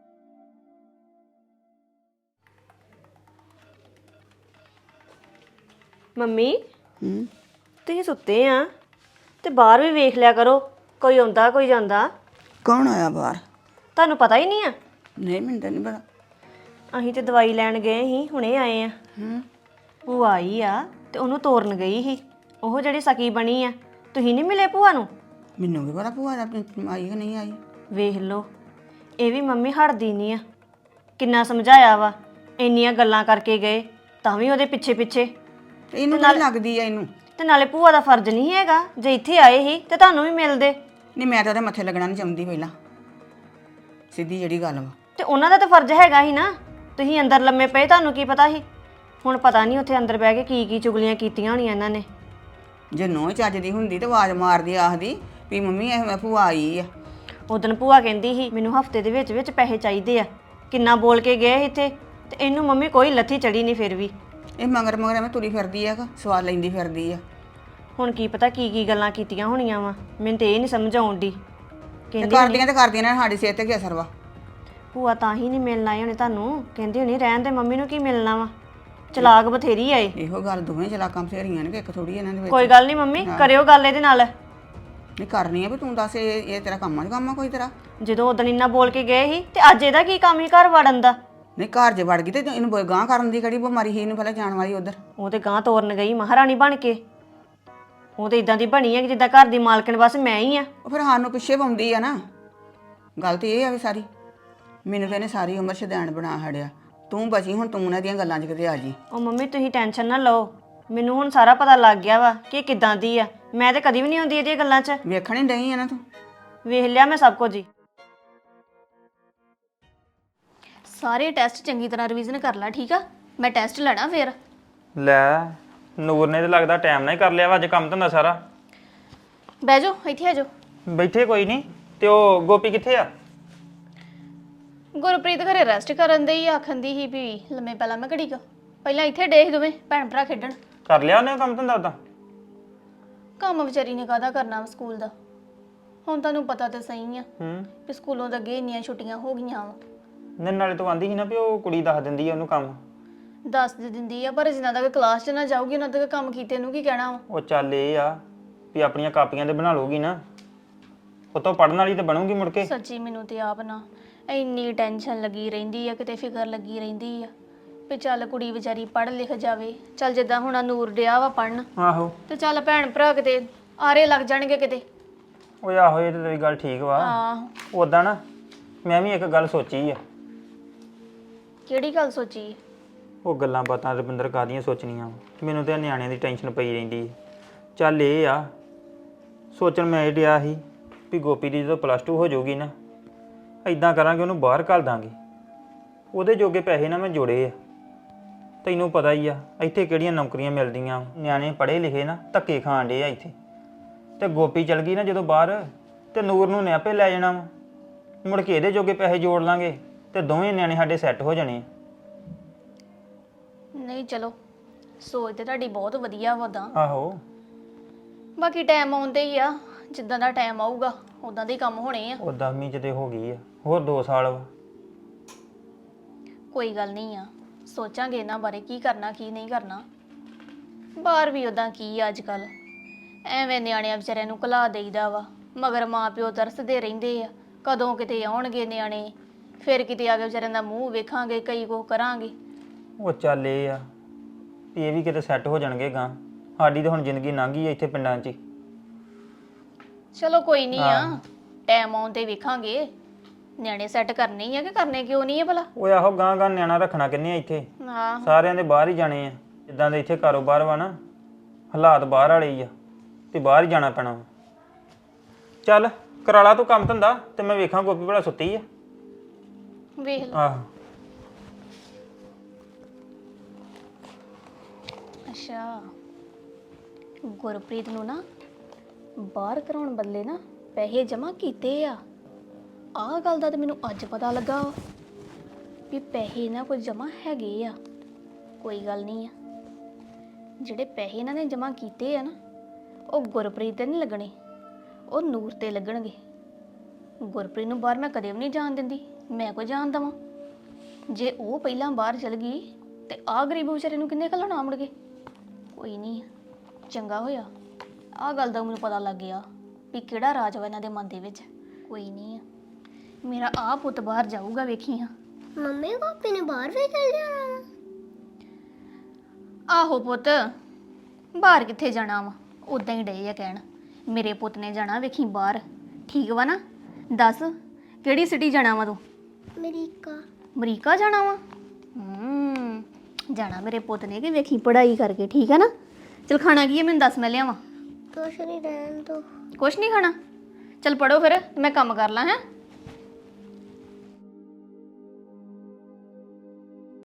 ਮੰਮੀ ਤੁਸੀਂ ਸੁੱਤੇ ਆ ਤੇ ਬਾਹਰ ਵੀ ਵੇਖ ਲਿਆ ਕਰੋ, ਕੋਈ ਆਉਂਦਾ ਕੋਈ ਜਾਂਦਾ। ਕੌਣ ਆਇਆ ਬਾਹਰ? ਤੁਹਾਨੂੰ ਪਤਾ ਹੀ ਨਹੀਂ ਆ? ਨਹੀਂ, ਮੈਨੂੰ ਤਾਂ ਨਹੀਂ ਪਤਾ। ਅਸੀਂ ਤੇ ਦਵਾਈ ਲੈਣ ਗਏ ਸੀ, ਹੁਣੇ ਆਏ ਆ। ਹੂੰ। ਭੂਆ ਆਈ ਆ ਤੇ ਉਹਨੂੰ ਤੋਰਨ ਗਈ ਸੀ, ਉਹ ਜਿਹੜੀ ਸਕੀ ਬਣੀ ਆ। ਤੁਸੀਂ ਨਹੀਂ ਮਿਲੇ ਭੂਆ ਨੂੰ? ਮੈਨੂੰ ਕੀ ਪਤਾ ਭੂਆ ਦਾ ਆਈ ਕਿ ਨਹੀਂ ਆਈ। ਵੇਖ ਲਓ, ਇਹ ਵੀ ਮੰਮੀ ਹਟਦੀ ਨਹੀਂ ਆ। ਕਿੰਨਾ ਸਮਝਾਇਆ ਵਾ, ਇੰਨੀਆਂ ਗੱਲਾਂ ਕਰਕੇ ਗਏ ਤਾਂ ਵੀ ਉਹਦੇ ਪਿੱਛੇ ਪਿੱਛੇ। ਇਹਨੂੰ ਤਾਂ ਲੱਗਦੀ ਆ ਇਹਨੂੰ। ਤੇ ਨਾਲੇ ਭੂਆ ਦਾ ਫਰਜ਼ ਨਹੀਂ ਹੈਗਾ, ਜੇ ਇੱਥੇ ਆਏ ਸੀ ਤੇ ਤੁਹਾਨੂੰ ਵੀ ਮਿਲਦੇ। ਨਹੀਂ, ਮੈਂ ਤਾਂ ਉਹਦੇ ਮੱਥੇ ਲੱਗਣਾ ਨਹੀਂ ਚਾਹੁੰਦੀ ਪਹਿਲਾਂ, ਸਿੱਧੀ ਜਿਹੜੀ ਗੱਲ ਵਾ। ਤੇ ਉਹਨਾਂ ਦਾ ਤਾਂ ਫਰਜ਼ ਹੈਗਾ ਹੀ ਨਾ। ਤੁਸੀਂ ਅੰਦਰ ਲੰਮੇ ਪਏ, ਤੁਹਾਨੂੰ ਕੀ ਪਤਾ ਸੀ? ਹੁਣ ਪਤਾ ਨਹੀਂ ਉੱਥੇ ਅੰਦਰ ਬਹਿ ਕੇ ਕੀ ਕੀ ਚੁਗਲੀਆਂ ਕੀਤੀਆਂ ਹੋਣੀਆਂ ਇਹਨਾਂ ਨੇ। ਜੇ ਨੋਹ ਚੱਜਦੀ ਹੁੰਦੀ ਤੇ ਆਵਾਜ਼ ਮਾਰਦੀ, ਆਖਦੀ ਵੀ ਮੰਮੀ ਇਹ ਭੂਆ ਆਈ ਆ। ਉਦੋਂ ਭੂਆ ਕਹਿੰਦੀ ਸੀ ਮੈਨੂੰ ਹਫਤੇ ਦੇ ਵਿੱਚ ਵਿੱਚ ਪੈਸੇ ਚਾਹੀਦੇ ਆ। ਕਿੰਨਾ ਬੋਲ ਕੇ ਗਏ ਇੱਥੇ, ਤੇ ਇਹਨੂੰ ਮੰਮੀ ਕੋਈ ਲੱਥੀ ਚੜੀ ਨਹੀਂ ਫਿਰ ਵੀ। ਇਹ ਮਗਰ ਮਗਰ ਐਵੇਂ ਤੁਰੀ ਫਿਰਦੀ ਆ, ਸਵਾਦ ਲੈਂਦੀ ਫਿਰਦੀ ਆ। ਹੁਣ ਕੀ ਪਤਾ ਕੀ ਕੀ ਗੱਲਾਂ ਕੀਤੀਆਂ ਹੋਣੀਆਂ ਵਾ, ਮੈਨੂੰ ਤੇ ਇਹ ਨਹੀਂ ਸਮਝ ਆਉਂਦੀ। ਤੇ ਕਹਿੰਦੀ ਕਰਦੀਆਂ ਤੇ ਕਰਦੀਆਂ ਨੇ, ਸਾਡੀ ਸਿਹਤ ਤੇ ਕੀ ਅਸਰ ਵਾ। ਭੂਆ ਤਾਂ ਹੀ ਨਹੀਂ ਮਿਲਣ ਆਏ ਹੋਣੇ ਤੁਹਾਨੂੰ, ਕਹਿੰਦੀ ਹੋਣੀ ਰਹਿਣ ਦੇ, ਮੰਮੀ ਨੂੰ ਕੀ ਮਿਲਣਾ ਵਾ। ਚਲਾਕ ਬਥੇਰੀ ਆਏ। ਇਹੋ ਗੱਲ ਦੋਵੇਂ ਚਲਾਕਾਂ ਬਥੇਰੀਆਂ ਨੇ ਕਿ ਇੱਕ ਥੋੜੀ ਇਹਨਾਂ ਦੇ ਵਿੱਚ। ਕੋਈ ਗੱਲ ਨਹੀਂ ਮੰਮੀ, ਕਰਿਓ ਗੱਲ ਇਹਦੇ ਨਾਲ। ਨਹੀਂ ਕਰਨੀ ਆ ਵੀ ਤੂੰ ਦੱਸ, ਇਹ ਇਹ ਤੇਰਾ ਕੰਮ ਆ ਕੰਮ ਆ ਕੋਈ ਤੇਰਾ? ਜਦੋਂ ਉਦੋਂ ਇੰਨਾ ਬੋਲ ਕੇ ਗਏ ਸੀ ਤੇ ਅੱਜ ਇਹਦਾ ਕੀ ਕੰਮ ਸੀ ਘਰ ਵੜਨ ਦਾ? ਨਹੀਂ, ਘਰ 'ਚ ਵੜ ਗਈ ਤੇ ਇਹਨੂੰ ਗਾਂਹ ਕਰਨ ਦੀ ਕਿਹੜੀ ਬਿਮਾਰੀ ਸੀ ਇਹਨੂੰ ਪਹਿਲਾਂ ਜਾਣ ਵਾਲੀ ਉਧਰ? ਉਹ ਤੇ ਗਾਂ ਤੋਰਨ ਗਈ ਮਹਾਰਾਣੀ ਬਣ ਕੇ। ਉਹ ਤੇ ਇਦਾਂ ਦੀ ਬਣੀ ਹੈ ਕਿ ਜਿੱਦਾਂ ਘਰ ਦੀ ਮਾਲਕਣ ਬਸ ਮੈਂ ਹੀ ਆ। ਉਹ ਫਿਰ ਸਾਨੂੰ ਪਿੱਛੇ ਪਾਉਂਦੀ ਆ ਨਾ। ਗੱਲ ਤੇ ਇਹ ਆ ਵੀ ਸਾਰੀ ਮੈਨੂੰ ਤਾਂ ਇਹਨੇ ਸਾਰੀ ਉਮਰ ਸ਼ੈਤਾਨ ਬਣਾ ਛੱਡਿਆ। ਤੂੰ ਬਚੀ ਹੁਣ, ਤੂੰ ਉਹਨਾਂ ਦੀਆਂ ਗੱਲਾਂ 'ਚ ਕਿਤੇ ਆ ਜੀ। ਉਹ ਮੰਮੀ ਤੁਸੀਂ ਟੈਨਸ਼ਨ ਨਾ ਲਓ, ਮੈਨੂੰ ਹੁਣ ਸਾਰਾ ਪਤਾ ਲੱਗ ਗਿਆ ਵਾ ਕਿ ਇਹ ਕਿੱਦਾਂ ਦੀ ਆ। ਮੈਂ ਤੇ ਕਦੀ ਵੀ ਨਹੀਂ ਆਉਂਦੀ ਇਹਦੀਆਂ ਗੱਲਾਂ 'ਚ। ਵੇਖਣ ਹੀ ਡਈ ਆ ਨਾ ਤੂੰ। ਵੇਖ ਲਿਆ ਮੈਂ ਸਭ ਕੁਝ ਹੀ। ਸਾਰੇ ਟੈਸਟ ਚੰਗੀ ਤਰ੍ਹਾਂ ਰਿਵੀਜ਼ਨ ਕਰ ਲੈ, ਠੀਕ ਆ? ਮੈਂ ਟੈਸਟ ਲੈਣਾ ਫਿਰ। ਲੈ, ਨੂਰ ਨੇ ਤੇ ਲੱਗਦਾ ਟਾਈਮ ਨਾਲ ਹੀ ਕਰ ਲਿਆ ਵਾ ਅੱਜ ਕੰਮ ਧੰਦਾ ਸਾਰਾ। ਬਹਿ ਜਾਓ, ਇੱਥੇ ਆ ਜਾਓ। ਬੈਠੇ ਕੋਈ ਨਹੀਂ। ਤੇ ਉਹ ਗੋਪੀ ਕਿੱਥੇ ਆ? ਗੁਰਪ੍ਰੀਤ ਘਰੇ ਰੈਸਟ ਕਰਨ ਦੇ ਹੀ ਆਖਣ ਦੀ ਸੀ ਵੀ ਲੰਮੇ ਪਹਿਲਾਂ ਮੈਂ ਘੜੀ ਕੁ ਪਹਿਲਾਂ ਇੱਥੇ ਡੇ ਸੀ ਦੋਵੇਂ ਭੈਣ ਭਰਾ ਖੇਡਣ। ਕਰ ਲਿਆ ਉਹਨੇ ਕੰਮ ਧੰਦਾ ਉਦਾਂ? ਕੰਮ ਵਿਚਾਰੀ ਨੇ ਕਾਹਦਾ ਕਰਨਾ ਵਾ ਸਕੂਲ ਦਾ। ਹੁਣ ਤੁਹਾਨੂੰ ਪਤਾ ਤਾਂ ਸਹੀ ਆ ਹੂੰ। ਵੀ ਸਕੂਲੋਂ ਤਾਂ ਅੱਗੇ ਇੰਨੀਆਂ ਛੁੱਟੀਆਂ ਹੋ ਗਈਆਂ ਵਾ। ਨਹੀਂ, ਨਾਲੇ ਤੂੰ ਆਂਦੀ ਸੀ ਨਾ ਵੀ ਉਹ ਕੁੜੀ ਦੱਸ ਦਿੰਦੀ ਆ ਉਹਨੂੰ ਕੰਮ। ਦੱਸ ਦੇ ਦਿੰਦੀ ਆ, ਪਰ ਜਿੰਨਾ ਤੱਕ ਕਲਾਸ 'ਚ ਨਾ ਜਾਊਗੀ ਉਹਨਾਂ ਤੱਕ ਕੰਮ ਕੀਤੇ ਨੂੰ ਕੀ ਕਹਿਣਾ ਵਾ। ਉਹ ਚੱਲ ਇਹ ਆ ਵੀ ਆਪਣੀਆਂ ਕਾਪੀਆਂ ਤੇ ਬਣਾ ਲਊਗੀ ਨਾ, ਉਹ ਤੋਂ ਪੜਨ ਵਾਲੀ ਤੇ ਬਣੂਗੀ ਮੁੜ ਕੇ। ਸੱਚੀ ਮੈਨੂੰ ਤੇ ਆਪ ਨਾ ਇੰਨੀ ਟੈਨਸ਼ਨ ਲੱਗੀ ਰਹਿੰਦੀ ਆ, ਕਿਤੇ ਫਿਕਰ ਲੱਗੀ ਰਹਿੰਦੀ ਆ ਵੀ ਚੱਲ ਕੁੜੀ ਵਿਚਾਰੀ ਪੜ੍ਹ ਲਿਖ ਜਾਵੇ। ਚੱਲ ਜਿੱਦਾਂ ਹੁਣ ਆਹ ਨੂਰ ਡਿਆ ਵਾ ਪੜਨ, ਆਹੋ। ਤੇ ਚੱਲ ਭੈਣ ਭਰਾ ਕਿਤੇ ਆਰੇ ਲੱਗ ਜਾਣਗੇ ਕਿਤੇ। ਓਏ ਆਹੋ, ਇਹ ਤੇ ਤੇਰੀ ਗੱਲ ਠੀਕ ਵਾ। ਆਹ ਉਦਾਂ ਨਾ ਮੈਂ ਵੀ ਇੱਕ ਗੱਲ ਸੋਚੀ ਆ। ਕਿਹੜੀ ਗੱਲ ਸੋਚੀ? ਉਹ ਗੱਲਾਂ ਬਾਤਾਂ ਰਵਿੰਦਰ ਕਾਹਦੀਆਂ ਸੋਚਣੀਆਂ ਵਾ। ਮੈਨੂੰ ਤੇ ਨਿਆਣਿਆਂ ਦੀ ਟੈਨਸ਼ਨ ਪਈ ਰਹਿੰਦੀ ਹੈ। ਚੱਲ ਇਹ ਆ ਸੋਚਣ ਮੈਂ ਇਹ ਡਿਆ ਸੀ ਵੀ ਗੋਪੀ ਦੀ ਜਦੋਂ ਪਲੱਸ ਟੂ ਹੋ ਜਾਊਗੀ ਨਾ, ਇਦਾਂ ਕਰਾਂਗੇ ਉਹਨੂੰ ਬਾਹਰ ਘੱਲ ਦਾਂਗੇ। ਉਹਦੇ ਜੋਗੇ ਪੈਸੇ ਨਾ ਮੈਂ ਜੋੜੇ ਆ। ਤੈਨੂੰ ਪਤਾ ਹੀ ਆ ਇੱਥੇ ਕਿਹੜੀਆਂ ਨੌਕਰੀਆਂ ਮਿਲਦੀਆਂ। ਨਿਆਣੇ ਪੜ੍ਹੇ ਲਿਖੇ ਨਾ ਧੱਕੇ ਖਾਣ ਡੇ ਆ ਇੱਥੇ। ਤੇ ਗੋਪੀ ਚਲ ਗਈ ਨਾ ਜਦੋਂ ਬਾਹਰ, ਤੇ ਨੂਰ ਨੂੰ ਨੇ ਆਪੇ ਲੈ ਜਾਣਾ ਵਾ। ਮੁੜ ਕੇ ਇਹਦੇ ਜੋਗੇ ਪੈਸੇ ਜੋੜ ਲਾਂਗੇ ਤੇ ਦੋਵੇਂ ਨਿਆਣੇ ਸਾਡੇ ਸੈੱਟ ਹੋ ਜਾਣੇ ਆ। ਨਹੀਂ ਚਲੋ, ਸੋਚ ਤੇ ਤੁਹਾਡੀ ਬਹੁਤ ਵਧੀਆ ਵਾ ਉਦਾਂ। ਆਹੋ। ਬਾਕੀ ਟਾਈਮ ਆਉਂਦੇ ਹੀ ਆ, ਜਿੱਦਾਂ ਦਾ ਟਾਈਮ ਆਊਗਾ ਉਦਾਂ ਦੇ ਹੀ ਕੰਮ ਹੋਣੇ ਆ। ਉਹ ਦਸਵੀਂ ਚ ਤੇ ਹੋ ਗਈ ਆ, ਹੋਰ ਦੋ ਸਾਲ ਵਾ। ਕੋਈ ਗੱਲ ਨਹੀਂ ਆ, ਸੋਚਾਂਗੇ ਇਹਨਾਂ ਬਾਰੇ ਕੀ ਕਰਨਾ ਕੀ ਨਹੀਂ ਕਰਨਾ। ਬਾਹਰ ਵੀ ਉਦਾਂ ਕੀ ਆ ਅੱਜ ਕੱਲ, ਐਵੇਂ ਨਿਆਣਿਆਂ ਵਿਚਾਰਿਆਂ ਨੂੰ ਘਲਾ ਦੇਈਦਾ ਵਾ, ਮਗਰ ਮਾਂ ਪਿਓ ਤਰਸਦੇ ਰਹਿੰਦੇ ਆ ਕਦੋਂ ਕਿਤੇ ਆਉਣਗੇ ਨਿਆਣੇ, ਫਿਰ ਕਿਤੇ ਆ ਕੇ ਵਿਚਾਰਿਆਂ ਦਾ ਮੂੰਹ ਵੇਖਾਂਗੇ, ਕਈ ਕੁਛ ਕਰਾਂਗੇ। ਉਹ ਚੱਲ ਇਹ ਆ ਵੀ ਇਹ ਵੀ ਕਿਤੇ ਸੈੱਟ ਹੋ ਜਾਣਗੇ ਗਾਂ। ਸਾਡੀ ਤਾਂ ਹੁਣ ਜ਼ਿੰਦਗੀ ਲੰਘ ਗਈ ਆ ਇੱਥੇ ਪਿੰਡਾਂ 'ਚ ਹੀ। ਚਲੋ ਕੋਈ ਨਹੀਂ ਆ, ਟਾਈਮ ਆਉਣ ਤੇ ਵੇਖਾਂਗੇ। ਨਿਆਣੇ ਸੈੱਟ ਕਰਨੇ ਹੀ ਆ ਕਿ ਕਰਨੇ ਕਿਉਂ ਨਹੀਂ ਆ ਭਲਾ। ਓਏ ਆਹੋ, ਗਾਂ ਗਾਂ ਨਿਆਣਾ ਰੱਖਣਾ ਕਿੰਨੇ ਆ ਇੱਥੇ? ਹਾਂ ਸਾਰਿਆਂ ਦੇ ਬਾਹਰ ਹੀ ਜਾਣੇ ਆ। ਜਿੱਦਾਂ ਦੇ ਇੱਥੇ ਕਾਰੋਬਾਰ ਵਾ ਨਾ, ਹਾਲਾਤ ਬਾਹਰ ਵਾਲੇ ਹੀ ਆ, ਤੇ ਬਾਹਰ ਹੀ ਜਾਣਾ ਪੈਣਾ ਵਾ। ਚੱਲ ਕਰਾ ਲਾ ਤੂੰ ਕੰਮ ਧੰਦਾ ਤੇ ਮੈਂ ਵੇਖਾਂ ਗੋਪੀ ਭਲਾ ਸੁੱਤੀ ਆ ਵੇਖ ਲਓ। ਆਹ ਅੱਛਾ ਗੁਰਪ੍ਰੀਤ ਨੂੰ ਨਾ ਬਾਹਰ ਕਰਾਉਣ ਬਦਲੇ ਨਾ ਪੈਸੇ ਜਮ੍ਹਾਂ ਕੀਤੇ ਆ। ਆਹ ਗੱਲ ਦਾ ਤਾਂ ਮੈਨੂੰ ਅੱਜ ਪਤਾ ਲੱਗਾ ਵਾ ਵੀ ਪੈਸੇ ਇਹਨਾਂ ਕੋਲ ਜਮ੍ਹਾਂ ਹੈਗੇ ਆ। ਕੋਈ ਗੱਲ ਨਹੀਂ ਆ, ਜਿਹੜੇ ਪੈਸੇ ਇਹਨਾਂ ਨੇ ਜਮ੍ਹਾਂ ਕੀਤੇ ਆ ਨਾ ਉਹ ਗੁਰਪ੍ਰੀਤ ਤੇ ਨਹੀਂ ਲੱਗਣੇ, ਉਹ ਨੂਰ ਤੇ ਲੱਗਣਗੇ। ਗੁਰਪ੍ਰੀਤ ਨੂੰ ਬਾਹਰ ਮੈਂ ਕਦੇ ਵੀ ਨਹੀਂ ਜਾਣ ਦਿੰਦੀ, ਮੈਂ ਕੋਈ ਜਾਣ ਦੇਵਾਂ। ਜੇ ਉਹ ਪਹਿਲਾਂ ਬਾਹਰ ਚਲ ਗਈ ਤੇ ਆਹ ਗਰੀਬ ਵਿਚਾਰੇ ਨੂੰ ਕਿੰਨੇ ਘੱਲਣਾ ਮੁੜ ਕੇ। ਕੋਈ ਨਹੀਂ, ਚੰਗਾ ਹੋਇਆ ਆਹ ਗੱਲ ਦਾ ਮੈਨੂੰ ਪਤਾ ਲੱਗ ਗਿਆ ਵੀ ਕਿਹੜਾ ਰਾਜ ਵਾ ਇਹਨਾਂ ਦੇ ਮਨ ਦੇ ਵਿੱਚ। ਕੋਈ ਨਹੀਂ, ਮੇਰਾ ਆਹ ਪੁੱਤ ਬਾਹਰ ਜਾਊਗਾ, ਵੇਖੀ ਹਾਂ। ਮੰਮੀ ਗੋਪੀ ਨੇ ਬਾਹਰ ਵੀ ਚੱਲ ਜਾਣਾ ਵਾ। ਆਹੋ ਪੁੱਤ, ਬਾਹਰ ਕਿੱਥੇ ਜਾਣਾ ਵਾ, ਉਦਾਂ ਹੀ ਡਏ ਆ ਕਹਿਣ ਮੇਰੇ ਪੁੱਤ ਨੇ ਜਾਣਾ ਵੇਖੀ ਬਾਹਰ। ਠੀਕ ਵਾ ਨਾ? ਦੱਸ ਕਿਹੜੀ ਸਿਟੀ ਜਾਣਾ ਵਾ ਤੂੰ? ਅਮਰੀਕਾ। ਅਮਰੀਕਾ ਜਾਣਾ ਵਾ? ਹੂੰ, ਜਾਣਾ ਮੇਰੇ ਪੁੱਤ ਨੇ ਕਿ ਵੇਖੀ ਪੜ੍ਹਾਈ ਕਰਕੇ। ਠੀਕ ਹੈ ਨਾ? ਚਲ ਖਾਣਾ ਕੀ ਹੈ ਮੈਨੂੰ ਦੱਸ, ਮੈਂ ਲਿਆਵਾਂ। ਕੁਛ ਨਹੀਂ ਰਹਿਣ ਦੋ। ਕੁਛ ਨਹੀਂ ਖਾਣਾ? ਚਲ ਪੜੋ ਫਿਰ, ਮੈਂ ਕੰਮ ਕਰ ਲਾਂ। ਹੈ